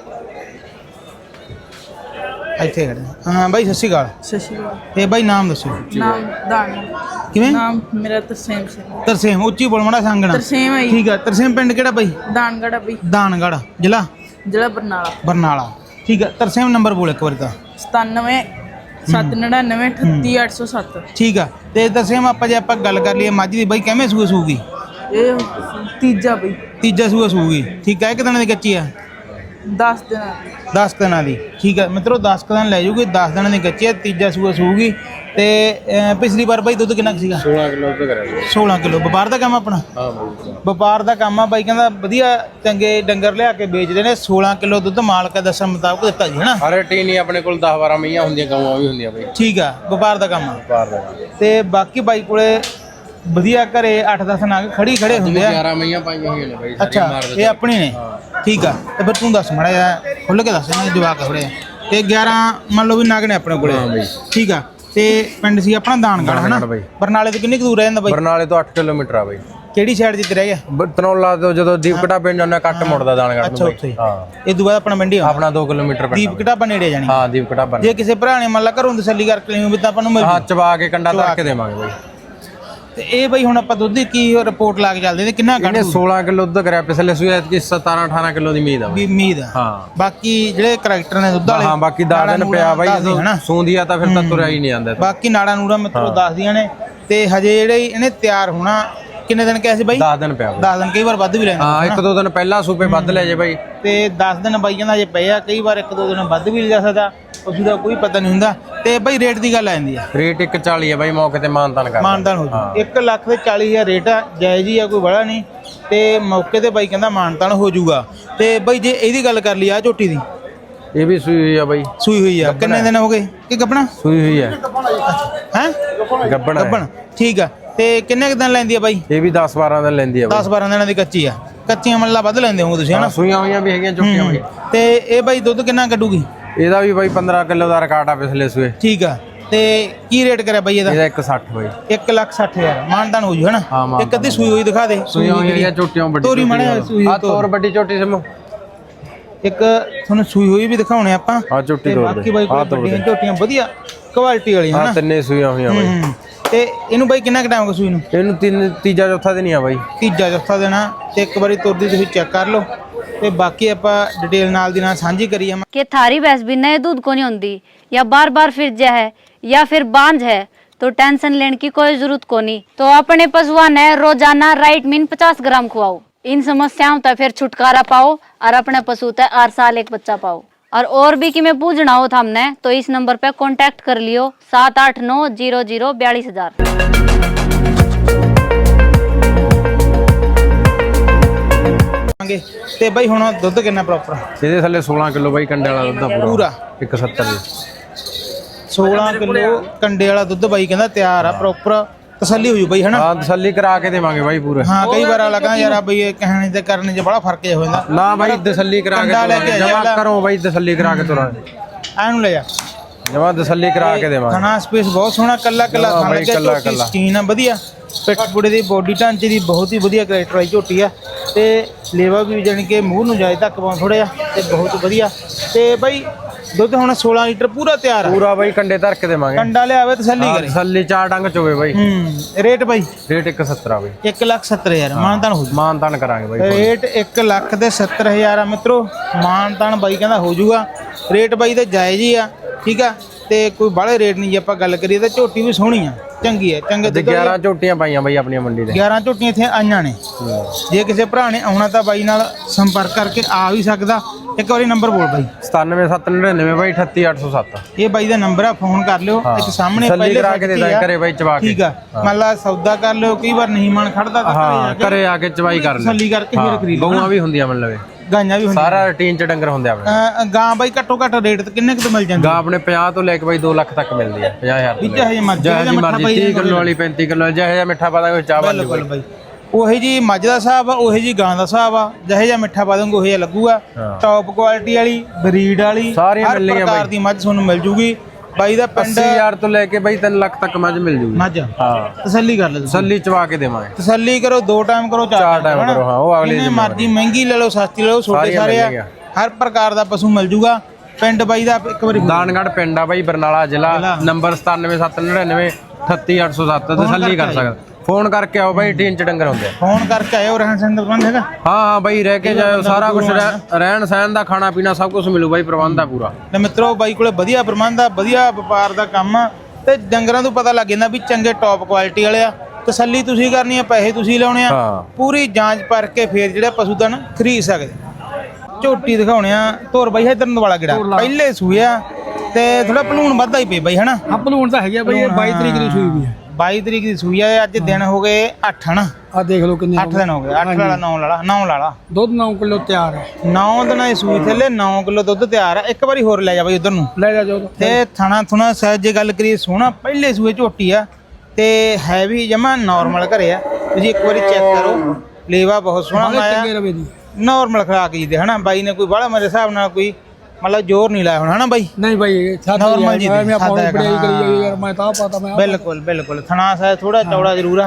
Speaker 4: ਇੱਥੇ ਖੜੇ ਹਾਂ ਬਾਈ। ਸਤਿ ਸ਼੍ਰੀ ਅਕਾਲ।
Speaker 8: ਸਤਿ ਸ਼੍ਰੀ ਅਕਾਲ।
Speaker 4: ਤੇ ਬਾਈ ਨਾਮ ਦੱਸੋ।
Speaker 8: ਨਾਮ ਦਾਨ।
Speaker 4: ਕਿਵੇਂ?
Speaker 8: ਨਾਮ ਮੇਰਾ ਤਰਸੇਮ ਸਿੰਘ।
Speaker 4: ਤਰਸੇਮ, ਉੱਚੀ ਬੋਲ ਮਾੜਾ ਸੰਗਣਾ।
Speaker 8: ਤਰਸੇਮ ਹੈ ਜੀ।
Speaker 4: ਠੀਕ ਆ। ਤਰਸੇਮ ਪਿੰਡ ਕਿਹੜਾ ਬਾਈ?
Speaker 8: ਦਾਨਗੜ੍ਹ ਬਈ।
Speaker 4: ਦਾਨਗੜ੍ਹ, ਜ਼ਿਲ੍ਹਾ
Speaker 8: ਜ਼ਿਲ੍ਹਾ ਬਰਨਾਲਾ।
Speaker 4: ਬਰਨਾਲਾ। ਠੀਕ ਆ। ਤਰਸੇਮ ਨੰਬਰ ਬੋਲ ਇੱਕ ਵਾਰੀ ਤਾਂ।
Speaker 8: ਸਤਾਨਵੇਂ ਸੱਤ ਨੜਿਨਵੇਂ ਅਠੱਤੀ ਅੱਠ ਸੌ ਸੱਤ।
Speaker 4: ਠੀਕ ਆ। ਤੇ ਤਰਸੇਮ ਆਪਾਂ ਜੇ ਆਪਾਂ ਗੱਲ ਕਰ ਲਈਏ ਮੱਝ ਦੀ ਬਾਈ ਕਿਵੇਂ ਸੂਏ ਸੂਗੀ?
Speaker 8: ਇਹ ਤੀਜਾ ਬਈ।
Speaker 4: ਤੀਜਾ ਸੂਆ ਸੂਗੀ। ਠੀਕ ਆ। ਇੱਕ ਦਿਨਾਂ ਦੀ ਕੱਚੀ ਆ?
Speaker 8: ਦਸ ਦਿਨਾਂ ਦੀ।
Speaker 4: ਦਸ ਦਿਨਾਂ ਦੀ। ਠੀਕ ਹੈ ਮਿੱਤਰੋ, ਦਸ ਕੁ ਦਿਨ ਲੈ ਜੂਗੀ, ਦਸ ਦਿਨਾਂ ਦੀ ਕੱਚੀ ਹੈ, ਤੀਜਾ ਸੂਆ ਸੂਗੀ। ਤੇ ਅਹ, ਪਿਛਲੀ ਵਾਰ ਬਾਈ ਦੁੱਧ ਕਿੰਨਾ ਕੁ ਸੀਗਾ?
Speaker 7: ਸੋਲਾਂ ਕਿਲੋ ਦੁੱਧ ਕਰਿਆ।
Speaker 4: ਸੋਲਾਂ ਕਿਲੋ। ਵਪਾਰ ਦਾ ਕੰਮ ਆਪਣਾ?
Speaker 7: ਹਾਂ ਬਾਈ।
Speaker 4: ਵਪਾਰ ਦਾ ਕੰਮ ਆ ਬਾਈ, ਕਹਿੰਦਾ ਵਧੀਆ ਚੰਗੇ ਡੰਗਰ ਲਿਆ ਕੇ ਵੇਚਦੇ ਨੇ। ਸੋਲਾਂ ਕਿਲੋ ਦੁੱਧ ਮਾਲਕ ਦੱਸਣ ਮੁਤਾਬਕ ਦਿੱਤਾ ਜੀ, ਹਨਾ?
Speaker 7: ਹਰ ਟੀ ਨਹੀਂ ਆਪਣੇ ਕੋਲ ਦਸ ਬਾਰਾਂ ਮਈਆਂ ਹੁੰਦੀਆਂ, ਗਊਆਂ ਵੀ ਹੁੰਦੀਆਂ ਬਾਈ।
Speaker 4: ਠੀਕ ਆ। ਵਪਾਰ ਦਾ ਕੰਮ ਆ।
Speaker 7: ਬਾਹਰ ਦਾ
Speaker 4: ਤੇ ਬਾਕੀ ਬਾਈ ਕੋਲੇ ਵਧੀਆ ਘਰੇ ਅੱਠ ਦਸ ਨਗ ਖੜੀ ਖੜੇ ਹੁੰਦੇ ਆ।
Speaker 7: ਗਿਆਰਾਂ ਮਈਆਂ ਪਾਈਆਂ ਹੋਈਆਂ ਨੇ ਬਾਈ।
Speaker 4: ਅੱਛਾ, ਇਹ ਆਪਣੀ ਨੇ। ਠੀਕ ਆ। ਤੇ ਫਿਰ ਤੂੰ ਦੱਸ ਮਾੜਾ ਜਿਹਾ ਖੁੱਲ੍ਹ ਕੇ ਦੱਸ, ਇਹਨਾਂ ਜਵਾਕ ਖੜੇ ਆ। ਤੇ ਗਿਆਰਾਂ ਮੰਨ ਲਓ ਵੀ ਨਗ ਨੇ ਆਪਣੇ ਕੋਲੇ। ਠੀਕ ਆ। ਤੇ ਪਿੰਡ ਸੀ ਆਪਣਾ ਦਾਨਗੜ੍ਹ, ਹਨਾ? ਬਰਨਾਲੇ ਤੋਂ ਕਿੰਨੀ ਕੁ ਦੂਰ ਰਹਿ ਜਾਂਦਾ ਬਾਈ?
Speaker 7: ਬਰਨਾਲੇ ਤੋਂ ਅੱਠ ਕਿਲੋਮੀਟਰ ਆ ਬਾਈ।
Speaker 4: ਕਿਹੜੀ ਸਾਈਡ ਜਿੱਤ ਰਹਿ ਗਿਆ?
Speaker 7: ਬ- ਧਨੌਲਾ ਤੋਂ ਜਦੋਂ ਦੀਪਕਟਾ ਪਿੰਡ ਜਾਂਦਾ ਕੱਟ ਮੁੜਦਾ ਦਾਨਗੜ੍ਹ
Speaker 4: ਅੱਛਾ
Speaker 7: ਨੂੰ
Speaker 4: ਉੱਥੇ
Speaker 7: ਬਾਈ। ਹਾਂ
Speaker 4: ਇਹ ਤੋਂ ਬਾਅਦ ਆਪਣਾ ਮੰਡੀ ਆ
Speaker 7: ਆਪਣਾ ਦੋ ਕਿਲੋਮੀਟਰ ਪੈਂਦਾ
Speaker 4: ਦੀਪ ਢਾਬਾ ਨੇੜੇ ਜਾਣੀ
Speaker 7: ਹਾਂ ਦੀਪਕਟਾ ਬਣ
Speaker 4: ਜੇ ਕਿਸੇ ਭਰਾ ਨੇ ਮੰਨ ਲਾ ਘਰੋਂ ਤਸੱਲੀ ਕਰਕੇ ਲਈ ਵੀ ਤਾਂ ਆਪਾਂ ਨੂੰ ਮਿਲ
Speaker 7: ਹਾਂ
Speaker 4: ਜੂ।
Speaker 7: ਚਵਾ ਕੇ ਕੰਡਾ ਧਰ ਕੇ ਦੇਵਾਂਗੇ ਬਾਈ।
Speaker 4: ਤੇ ਇਹ ਬਈ ਹੁਣ ਆਪਾਂ ਦੁੱਧ ਦੀ ਕੀ ਰਿਪੋਰਟ ਲਾ ਕੇ ਚੱਲਦੇ ਤੇ ਕਿੰਨਾ ਕੱਢ
Speaker 7: ਇਹਨੇ ਸੋਲਾਂ ਕਿਲੋ ਦੁੱਧ ਕਰਿਆ ਪਿਛਲੇ ਸੂਏ ਕਿ ਸਤਾਰਾਂ ਅਠਾਰਾਂ ਕਿਲੋ ਦੀ ਉਮੀਦ ਆ ਬਾਈ।
Speaker 4: ਵੀ ਉਮੀਦ ਆ
Speaker 7: ਹਾਂ
Speaker 4: ਬਾਕੀ ਜਿਹੜੇ ਕਰੈਕਟਰ ਨੇ ਦੁੱਧ ਵਾਲੇ
Speaker 7: ਹਾਂ ਬਾਕੀ ਦਸ ਦਿਨ ਪਿਆ ਬਾਈ
Speaker 4: ਦੱਸਦੀ
Speaker 7: ਜਦੋਂ
Speaker 4: ਹਨਾ।
Speaker 7: ਸੂੰਦੀ ਆ ਤਾਂ ਫਿਰ ਤਾਂ ਤੁਰਿਆ ਹੀ ਨਹੀਂ ਜਾਂਦਾ ਇੱਥੇ।
Speaker 4: ਬਾਕੀ ਨਾੜਾ ਨੂੜਾ ਮਿੱਤਰੋ ਦੱਸਦੀਆਂ ਨੇ ਤੇ ਹਜੇ ਜਿਹੜੇ ਇਹਨੇ ਤਿਆਰ ਹੋਣਾ ਕਿੰਨੇ ਦਿਨ ਕਿਹਾ ਸੀ ਬਾਈ?
Speaker 7: ਦਸ ਦਿਨ ਪਿਆ ਬਾਈ।
Speaker 4: ਦਸ ਦਿਨ ਕਈ ਵਾਰ ਵੱਧ ਵੀ ਲੈਂਦੇ
Speaker 7: ਹਾਂ ਇੱਕ ਦੋ ਦਿਨ ਪਹਿਲਾਂ ਸੂਪੇ ਵੱਧ ਲੈ ਜੇ ਬਾਈ।
Speaker 4: ਤੇ ਦਸ ਦਿਨ ਬਾਈਆਂ ਦਾ ਹਜੇ ਪਏ ਆ ਕਈ ਵਾਰ ਇੱਕ ਦੋ ਦਿਨ ਵੱਧ ਵੀ ਲੈ ਸਕਦਾ ਉਸ ਦਾ ਕੋਈ ਪਤਾ ਨਹੀਂ ਹੁੰਦਾ। ਤੇ ਬਾਈ ਰੇਟ ਦੀ ਗੱਲ ਆ ਜਾਂਦੀ ਆ
Speaker 7: ਰੇਟ ਇੱਕ ਚਾਲੀ ਆ ਬਾਈ ਮੌਕੇ ਤੇ ਮਾਨਤਾਨ ਕਰ
Speaker 4: ਮਾਨਤਾਨ ਹੋ ਜੂ ਇੱਕ ਲੱਖ ਤੇ ਚਾਲੀ ਹਜ਼ਾਰ ਰੇਟ ਆ ਜਾਇਜ਼ ਹੀ ਆ ਕੋਈ ਬੜਾ ਨਹੀਂ ਤੇ ਮੌਕੇ ਤੇ ਬਾਈ ਕਹਿੰਦਾ ਮਾਨਤਾਨ ਹੋ ਜੂਗਾ। ਤੇ ਬਾਈ ਜੇ ਇਹਦੀ ਗੱਲ ਕਰ ਲਈ ਆ ਝੋਟੀ ਦੀ
Speaker 7: ਇਹ ਵੀ ਸੂਈ ਹੋਈ ਆ ਬਾਈ।
Speaker 4: ਸੂਈ ਹੋਈ ਆ ਕਿੰਨੇ ਦਿਨ ਹੋ ਗਏ ਕਿ ਗੱਬਣਾ
Speaker 7: ਸੂਈ ਹੋਈ ਆ
Speaker 4: ਹੈ
Speaker 7: ਗੱਬਣ
Speaker 4: ਗੱਬਣ ਠੀਕ ਆ। ਤੇ ਕਿੰਨੇ ਕੁ ਦਿਨ ਲੈਂਦੀ ਆ ਬਾਈ?
Speaker 7: ਇਹ ਵੀ ਦਸ ਬਾਰਾਂ ਦਿਨ ਲੈਂਦੀ ਆ ਬਾਈ।
Speaker 4: ਦਸ ਬਾਰਾਂ ਦਿਨਾਂ ਦੀ ਕੱਚੀ ਆ। ਕੱਚੀਆਂ ਮੱਲਾ ਵੱਧ ਲੈਂਦੇ ਹੋ ਤੁਸੀਂ ਹਨਾ?
Speaker 7: ਹਾਂ ਸੂਈਆਂ ਹੋਈਆਂ ਵੀ ਹੈਗੀਆਂ ਝੋਟੀਆਂ ਬਾਈ।
Speaker 4: ਤੇ ਇਹ ਬਾਈ ਦੁੱਧ ਕਿੰਨਾ ਕੱਢੂਗੀ?
Speaker 7: ਇਹਦਾ ਵੀ ਬਾਈ ਪੰਦਰਾਂ ਕਿਲੋ ਦਾ ਰਿਕਾਰਡ ਆ ਪਿਛਲੇ ਸੂਏ।
Speaker 4: ਠੀਕ ਆ। ਤੇ ਕੀ ਰੇਟ ਕਰਿਆ ਬਾਈ ਇਹਦਾ?
Speaker 7: ਇਹਦਾ ਇੱਕ ਸੱਠ ਬਾਈ।
Speaker 4: ਇੱਕ ਲੱਖ ਸੱਠ ਹਜ਼ਾਰ ਮਾਨਤਾਨ ਹੋ ਜੂ ਹਨਾ?
Speaker 7: ਹਾਂ, ਮਾਨਤਾਨ
Speaker 4: ਇੱਕ ਅੱਧੀ ਸੂਈ ਹੋਈ ਦਿਖਾ ਦੇ।
Speaker 7: ਸੂਈਆਂ ਹੋਈਆਂ ਝੋਟੀਆਂ ਵੱਡੀ
Speaker 4: ਤੋਰੀ ਮਾੜਾ ਸੂਈ
Speaker 7: ਆ ਤੋਰ ਵੱਡੀ ਝੋਟੀ ਸਮੋ
Speaker 4: ਇੱਕ ਤੁਹਾਨੂੰ ਸੂਈ ਹੋਈ ਵੀ ਦਿਖਾਉਣੇ ਆਪਾਂ।
Speaker 7: ਆ ਝੋਟੀ
Speaker 4: ਤੇ
Speaker 7: ਤੋਰ
Speaker 4: ਬਾਕੀ ਬਾਈ ਕੋਲ ਵੱਡੀਆਂ ਝੋਟੀਆਂ ਵਧੀਆ ਕੁਆਲਿਟੀ ਵਾਲੀਆਂ
Speaker 7: ਹਾਂ
Speaker 4: ਹਨਾ?
Speaker 7: ਤਿੰਨੇ ਸੂਈਆਂ ਹੋਈਆਂ ਬਾਈ।
Speaker 4: ਹੂੰ। ਤੇ ਇਹਨੂੰ ਬਾਈ ਕਿੰਨਾ ਕੁ ਟਾਈਮ ਹੋ ਗਿਆ ਸੂਈ ਨੂੰ?
Speaker 7: ਇਹਨੂੰ ਤਿੰਨ ਤੀਜਾ ਚੌਥਾ ਦਿਨ ਹੀ ਆ ਬਾਈ।
Speaker 4: ਤੀਜਾ ਚੌਥਾ ਦੇਣਾ ਤੇ ਇੱਕ ਵਾਰੀ ਤੁਰਦੀ ਤੁਸੀਂ ਚੈੱਕ ਕਰ ਲਓ ਤੇ ਬਾਕੀ ਆਪਾਂ ਡਿਟੇਲ ਨਾਲ ਦੀ ਨਾਲ ਸਾਂਝੀ ਕਰੀ ਆ।
Speaker 9: कि थारी भैंस भी नए दूध को नहीं होती या बार बार फिर जा है या फिर बांझ है तो टेंशन लेने की कोई जरूरत को नहीं। तो अपने पशुआ ने रोजाना राइट मीन पचास ग्राम खुआओ। इन समस्याओं तक फिर छुटकारा पाओ और अपने पशु तक हर साल एक बच्चा पाओ। और और भी कि मैं पूछना हो था हमने तो इस नंबर पे कांटेक्ट कर लियो सात आठ नौ जीरो जीरो बयालीस हजार।
Speaker 4: ਤੇ ਬਾਈ ਹੁਣ ਦੁੱਧ ਕਿੰਨਾ ਪ੍ਰੋਪਰ?
Speaker 7: ਇਹਦੇ ਥੱਲੇ ਸੋਲਾਂ ਕਿਲੋ ਬਾਈ ਕੰਡੇ ਵਾਲਾ ਦੁੱਧ ਆ ਪੂਰਾ
Speaker 4: ਪੂਰਾ
Speaker 7: ਇੱਕ ਸੱਤਰ ਦੀ।
Speaker 4: ਸੋਲਾਂ ਕਿਲੋ ਕੰਡੇ ਵਾਲਾ ਦੁੱਧ ਬਾਈ ਕਹਿੰਦਾ ਤਿਆਰ ਆ ਪ੍ਰੋਪਰ ਤਸੱਲੀ ਹੋ ਜੂ ਬਾਈ ਹਨਾ?
Speaker 7: ਹਾਂ ਤਸੱਲੀ ਕਰਾ ਕੇ ਦੇਵਾਂਗੇ ਬਾਈ ਪੂਰੇ।
Speaker 4: ਹਾਂ ਕਈ ਵਾਰ ਲੱਗਾ ਯਾਰ ਆ ਬਈ ਇਹ ਕਹਿਣੇ ਤੇ ਕਰਨੇ 'ਚ ਬੜਾ ਫਰਕ ਜਿਹਾ ਹੋ ਜਾਂਦਾ।
Speaker 7: ਨਾ ਬਾਈ ਤਸੱਲੀ ਕਰਾ ਕੇ
Speaker 4: ਕੰਡਾ ਲੈ ਕੇ
Speaker 7: ਜਮਾ
Speaker 4: ਆਇਆ
Speaker 7: ਕਰੋ ਬਾਈ ਤਸੱਲੀ ਕਰਾ ਕੇ ਤੁਰਾਂਗੇ।
Speaker 4: ਐਨੂੰ ਲੈ ਜਾ
Speaker 7: ਜਮਾ ਤਸੱਲੀ ਕਰਾ ਕੇ ਦੇਵਾਂਗੇ।
Speaker 4: ਖਾਣਾ ਸਪੇਸ ਬਹੁਤ ਸੋਹਣਾ ਕੱਲਾ ਕੱਲਾ
Speaker 7: ਹਾਂ
Speaker 4: ਖਾਣ
Speaker 7: ਬਾਈ,
Speaker 4: ਲੱਗਿਆ
Speaker 7: ਕੱਲਾ
Speaker 4: ਝੋਟੀ
Speaker 7: ਕੱਲਾ।
Speaker 4: ਸਕੀਨ ਆ ਵਧੀਆ ਪਿੱਠ ਪੁੜੇ ਦੀ ਬੋਡੀ ਢਾਂਚੇ ਦੀ ਬਹੁਤ ਹੀ ਵਧੀਆ ਕਰੈਕਟਰ ਵਾਲੀ ਝੋਟੀ ਆ ਤੇ ਲੇਵਾ ਵੀ ਜਾਣੀ ਕਿ ਮੂੰਹ ਨੂੰ ਜਾਏ ਤੱਕ ਪਾਉਂ ਥੋੜਾ ਜਿਹਾ ਤੇ ਬਹੁਤ ਵਧੀਆ। ਤੇ ਬਾਈ ਦੁੱਧ ਹੁਣ ਸੋਲਾਂ ਲੀਟਰ ਪੂਰਾ ਤਿਆਰ ਆ।
Speaker 7: ਪੂਰਾ ਬਾਈ ਕੰਡੇ ਧਰ ਕੇ ਦੇਵਾਂਗੇ।
Speaker 4: ਕੰਡਾ ਲਿਆਵੇ ਤਸੱਲੀ ਕਰੇ।
Speaker 7: ਤਸੱਲੀ ਚਾਰ ਡੰਗ ਚੋਵੇ ਬਾਈ।
Speaker 4: ਹੂੰ ਰੇਟ ਬਾਈ
Speaker 7: ਰੇਟ ਇੱਕ ਸੱਤਰ ਆ ਬਾਈ।
Speaker 4: ਇੱਕ ਲੱਖ ਸੱਤਰ ਹਜ਼ਾਰ ਮਾਨਤਾਨ ਹੋ ਜੂ।
Speaker 7: ਮਾਨਤਾਨ ਕਰਾਂਗੇ ਬਾਈ।
Speaker 4: ਰੇਟ ਇੱਕ ਲੱਖ ਤੇ ਸੱਤਰ ਹਜ਼ਾਰ ਆ ਮਿੱਤਰੋ। ਮਾਨਤਾਨ ਬਾਈ ਕਹਿੰਦਾ ਹੋ ਜੂਗਾ। ਰੇਟ ਬਾਈ ਤੇ ਜਾਇਜ਼ ਹੀ ਆ ਠੀਕ ਆ ਤੇ ਕੋਈ ਬਾਹਲੇ ਰੇਟ ਨਹੀਂ ਜੇ ਆਪਾਂ ਗੱਲ ਕਰੀਏ ਤਾਂ ਝੋਟੀ ਵੀ ਸੋਹਣੀ ਆ ਚੰਗੀ ਆ ਚੰਗੇ
Speaker 7: ਤੇ ਗਿਆਰਾਂ ਝੋਟੀਆਂ ਪਾਈਆਂ ਬਾਈ ਆਪਣੀਆਂ ਮੰਡੀ ਦੇ।
Speaker 4: ਗਿਆਰਾਂ ਝੋਟੀਆਂ ਇੱਥੇ ਆਈਆਂ ਨੇ। ਜੇ ਕਿਸੇ ਭਰਾ ਨੇ ਆਉਣਾ ਤਾਂ ਬਾਈ ਨਾਲ ਸੰਪਰਕ ਕਰਕੇ ਆ ਵੀ ਸਕਦਾ। ਇੱਕ ਵਾਰੀ ਨੰਬਰ ਬੋਲ ਬਾਈ।
Speaker 7: ਸਤਾਨਵੇਂ ਸੱਤ ਨੜਿਨਵੇਂ ਬਾਈ ਅਠੱਤੀ ਅੱਠ ਸੌ ਸੱਤ।
Speaker 4: ਇਹ ਬਾਈ ਦਾ ਨੰਬਰ ਆ ਫੋਨ ਕਰ ਲਿਓ। ਇੱਥੇ ਸਾਹਮਣੇ
Speaker 7: ਤਸੱਲੀ
Speaker 4: ਪਹਿਲੇ
Speaker 7: ਕਰਾ ਕੇ ਦੇ ਦਾਂਗੇ ਘਰੇ ਬਾਈ ਚਵਾ ਕੇ।
Speaker 4: ਠੀਕ ਆ ਮੰਨ ਲਾ ਸੌਦਾ ਕਰ ਲਿਓ ਕਈ ਵਾਰ ਨਹੀਂ ਮਨ ਖੜਦਾ ਤਾਂ
Speaker 7: ਹਾਂ ਘਰੇ ਆ ਕੇ ਚਵਾਈ ਕਰ ਲੈ।
Speaker 4: ਤਸੱਲੀ ਕਰਕੇ ਫਿਰ ਖਰੀਦ ਲਓ।
Speaker 7: ਗਊਆਂ ਵੀ ਹੁੰਦੀਆਂ ਮਨ ਲਵੇ
Speaker 4: ਗਾਈਆਂ ਵੀ ਹੁੰਦੀਆਂ।
Speaker 7: ਸਾਰਾ ਰੂਟੀਨ ਚ ਡੰਗਰ ਹੁੰਦੇ ਆਪਣੇ।
Speaker 4: ਅਹ ਗਾਂ ਬਾਈ ਘੱਟੋ ਘੱਟ ਰੇਟ ਤੇ ਕਿੰਨੇ ਕੁ ਤੋਂ ਮਿਲ ਜਾਂਦੀ?
Speaker 7: ਗਾਂ ਆਪਣੇ ਪੰਜਾਹ ਤੋਂ ਲੈ ਕੇ ਬਾਈ ਦੋ ਲੱਖ ਤੱਕ ਮਿਲਦੀ ਹੈ। ਪੰਜਾਹ ਹਜ਼ਾਰ ਤੋਂ
Speaker 4: ਜਿਹੇ ਮਰਜ਼ੀ
Speaker 7: ਜਿਹੇ ਜੀ
Speaker 4: ਮਿੱਠਾ
Speaker 7: ਮਰਜ਼ੀ
Speaker 4: ਪਾਈ
Speaker 7: ਤੀਹ ਕਿਲੋ ਵਾਲੀ ਪੈਂਤੀ ਕਿਲੋ ਜਿਹੇ ਜਿਹਾ ਮਿੱਠਾ ਪਾ ਦਾਂਗੇ ਚਾਹ ਬਣ
Speaker 4: ਬਿਲਕੁਲ ਬਾਈ ਉਹੀ ਜੀ ਮੱਝ ਦਾ ਹਿਸਾਬ ਆ ਉਹੀ ਜੀ ਗਾਂ ਦਾ ਹਿਸਾਬ ਆ ਜਿਹੇ ਜਿਹਾ ਮਿੱਠਾ ਪਾ ਦੋਗੇ ਉਹੀ ਜਿਹਾ ਲੱਗੂਗਾ। ਟੌਪ ਕੁਆਲਿਟੀ ਵਾਲੀ ਬਰੀਡ ਵਾਲੀ
Speaker 7: ਸਾਰੀਆਂ
Speaker 4: ਹਰ
Speaker 7: ਮਿਲਣਗੀਆਂ
Speaker 4: ਪ੍ਰਕਾਰ ਦੀ ਮੱਝ ਤੁਹਾਨੂੰ ਮਿਲ ਜੂਗੀ। ਬਾਈ ਦਾ ਪਿੰਡ
Speaker 7: ਅੱਸੀ ਹਜ਼ਾਰ ਤੋਂ ਲੈ ਕੇ ਬਾਈ ਤਿੰਨ ਲੱਖ ਤੱਕ ਮੱਝ ਮਿਲ ਜੂਗੀ।
Speaker 4: ਮੱਝ
Speaker 7: ਹਾਂ
Speaker 4: ਤਸੱਲੀ ਕਰ ਲਓ ਤੁਸੀਂ।
Speaker 7: ਤਸੱਲੀ ਚਵਾ ਕੇ ਦੇਵਾਂਗੇ।
Speaker 4: ਤਸੱਲੀ ਕਰੋ ਦੋ ਟਾਈਮ ਕਰੋ ਚਾਰ
Speaker 7: ਚਾਰ ਟਾਈਮ ਕਰੋ। ਹਾਂ ਉਹ ਅਗਲੇ
Speaker 4: ਜਿੰਨੇ ਮਰਜ਼ੀ ਮਹਿੰਗੀ ਲੈ ਲਓ ਸਸਤੀ ਲੈ ਲਓ ਛੋਟੇ ਸਾਰੇ ਆ ਹਰ ਪ੍ਰਕਾਰ ਦਾ ਪਸ਼ੂ ਮਿਲ ਜੂਗਾ। ਪਿੰਡ ਬਾਈ ਦਾ ਇੱਕ ਵਾਰੀ
Speaker 7: ਦਾਨਗੜ੍ਹ ਪਿੰਡ ਆ ਬਾਈ ਬਰਨਾਲਾ ਜ਼ਿਲ੍ਹਾ। ਨੰਬਰ ਸਤਾਨਵੇਂ ਸੱਤ ਨੜਿਨਵੇਂ ਅਠੱਤੀ ਅੱਠ ਸੌ ਸੱਤ। ਤਸੱਲੀ ਕਰ ਸਕਦਾ। ਫੋਨ ਕਰਕੇ ਆਓ ਬਾਈ ਟੀਨ ਚ ਡੰਗਰ ਹੁੰਦੇ ਆ।
Speaker 4: ਫੋਨ ਕਰਕੇ ਆਇਓ ਰਹਿਣ ਸਹਿਣ ਦਾ ਪ੍ਰਬੰਧ ਹੈਗਾ।
Speaker 7: ਹਾਂ ਹਾਂ ਬਾਈ ਰਹਿ ਕੇ ਜਾਇਓ ਸਾਰਾ ਕੁਝ ਰਹਿਣ ਸਹਿਣ ਦਾ ਖਾਣਾ ਪੀਣਾ ਸਭ ਕੁਝ ਮਿਲੂ ਬਾਈ ਪ੍ਰਬੰਧ ਆ ਪੂਰਾ।
Speaker 4: ਤੇ ਮਿੱਤਰੋ ਬਾਈ ਕੋਲੇ ਵਧੀਆ ਪ੍ਰਬੰਧ ਆ ਵਧੀਆ ਵਪਾਰ ਦਾ ਕੰਮ ਆ ਤੇ ਡੰਗਰਾਂ ਤੋਂ ਪਤਾ ਲੱਗ ਜਾਂਦਾ ਵੀ ਚੰਗੇ ਟੌਪ ਕੁਆਲਿਟੀ ਵਾਲੇ ਆ। ਤਸੱਲੀ ਤੁਸੀਂ ਕਰਨੀ ਆ ਪੈਸੇ ਤੁਸੀਂ ਲਾਉਣੇ ਆ ਪੂਰੀ ਜਾਂਚ ਪਰਖ ਕੇ ਫੇਰ ਜਿਹੜਾ ਪਸ਼ੂਧਨ ਖਰੀਦ ਸਕਦੇ। ਝੋਟੀ ਦਿਖਾਉਣੇ ਆ ਧੁਰ ਬਾਈ ਇਧਰ ਨੂੰ ਵਾਲਾ ਗਿੜਾ ਪਹਿਲੇ ਸੂਇਆ ਤੇ ਥੋੜਾ ਭਲੂਣ ਵੱਧਾ ਹੀ ਪਈ ਬਾਈ ਹਨਾ?
Speaker 10: ਹਾਂ ਭਲੂਣ ਤਾਂ ਹੈਗਾ ਬਾਈ। ਬਾਈ ਤਰੀਕ ਦੀ ਸੂਈ ਵੀ ਹੈ।
Speaker 4: ਬਾਈ ਤਰੀਕ ਦੀ ਸੂਈ ਆ। ਅੱਜ ਦਿਨ ਹੋ ਗਏ ਅੱਠ ਹਨਾ?
Speaker 10: ਆ ਦੇਖ ਲਓ ਕਿੰਨੇ
Speaker 4: ਅੱਠ ਦਿਨ ਹੋ ਗਏ। ਅੱਠ ਵਾਲਾ ਨੌ ਵਾਲਾ ਨੌ ਵਾਲਾ
Speaker 10: ਦੁੱਧ ਨੌ ਕਿਲੋ ਤਿਆਰ ਹੈ।
Speaker 4: ਨੌ ਦਿਨਾਂ ਦੀ ਸੂਈ ਥੱਲੇ ਨੌ ਕਿਲੋ ਦੁੱਧ ਤਿਆਰ ਆ। ਇੱਕ ਵਾਰੀ ਹੋਰ ਲੈ ਜਾ ਬਾਈ ਉਧਰ ਨੂੰ
Speaker 10: ਲੈ ਜਾ ਜੋ
Speaker 4: ਤੇ ਥਣਾ ਥੁਣਾ ਸਹਿਜ ਜੇ ਗੱਲ ਕਰੀਏ ਸੋਹਣਾ ਪਹਿਲੇ ਸੂਏ ਝੋਟੀ ਆ ਤੇ ਹੈ ਵੀ ਜਮਾ ਨਾਰਮਲ ਘਰੇ ਆ। ਤੁਸੀਂ ਇੱਕ ਵਾਰੀ ਚੈੱਕ ਕਰੋ ਲੇਵਾ ਬਹੁਤ ਸੋਹਣਾ ਆਇਆ ਨਾਰਮਲ ਖਰਾਕ ਜੀ ਦੇ ਹਨਾ? ਬਾਈ ਨੇ ਕੋਈ ਬਾਹਲਾ ਮੇਰੇ ਹਿਸਾਬ ਨਾਲ ਕੋਈ ਮਤਲਬ ਜ਼ੋਰ ਨਹੀਂ ਲਾਇਆ ਹੋਣਾ ਹਨਾ ਬਾਈ?
Speaker 10: ਨਹੀਂ ਬਾਈ
Speaker 4: ਨਾਰਮਲ ਜੀ
Speaker 10: ਮੈਂ ਆਪਾਂ ਬੜਾਈ ਕਰੀ ਯਾਰ ਮੈਂ ਤਾਂ ਪਤਾ ਮੈਂ
Speaker 4: ਬਿਲਕੁਲ ਬਿਲਕੁਲ ਥਣਾ ਸਾਹਿਬ ਥੋੜਾ ਚੌੜਾ ਜ਼ਰੂਰ ਆ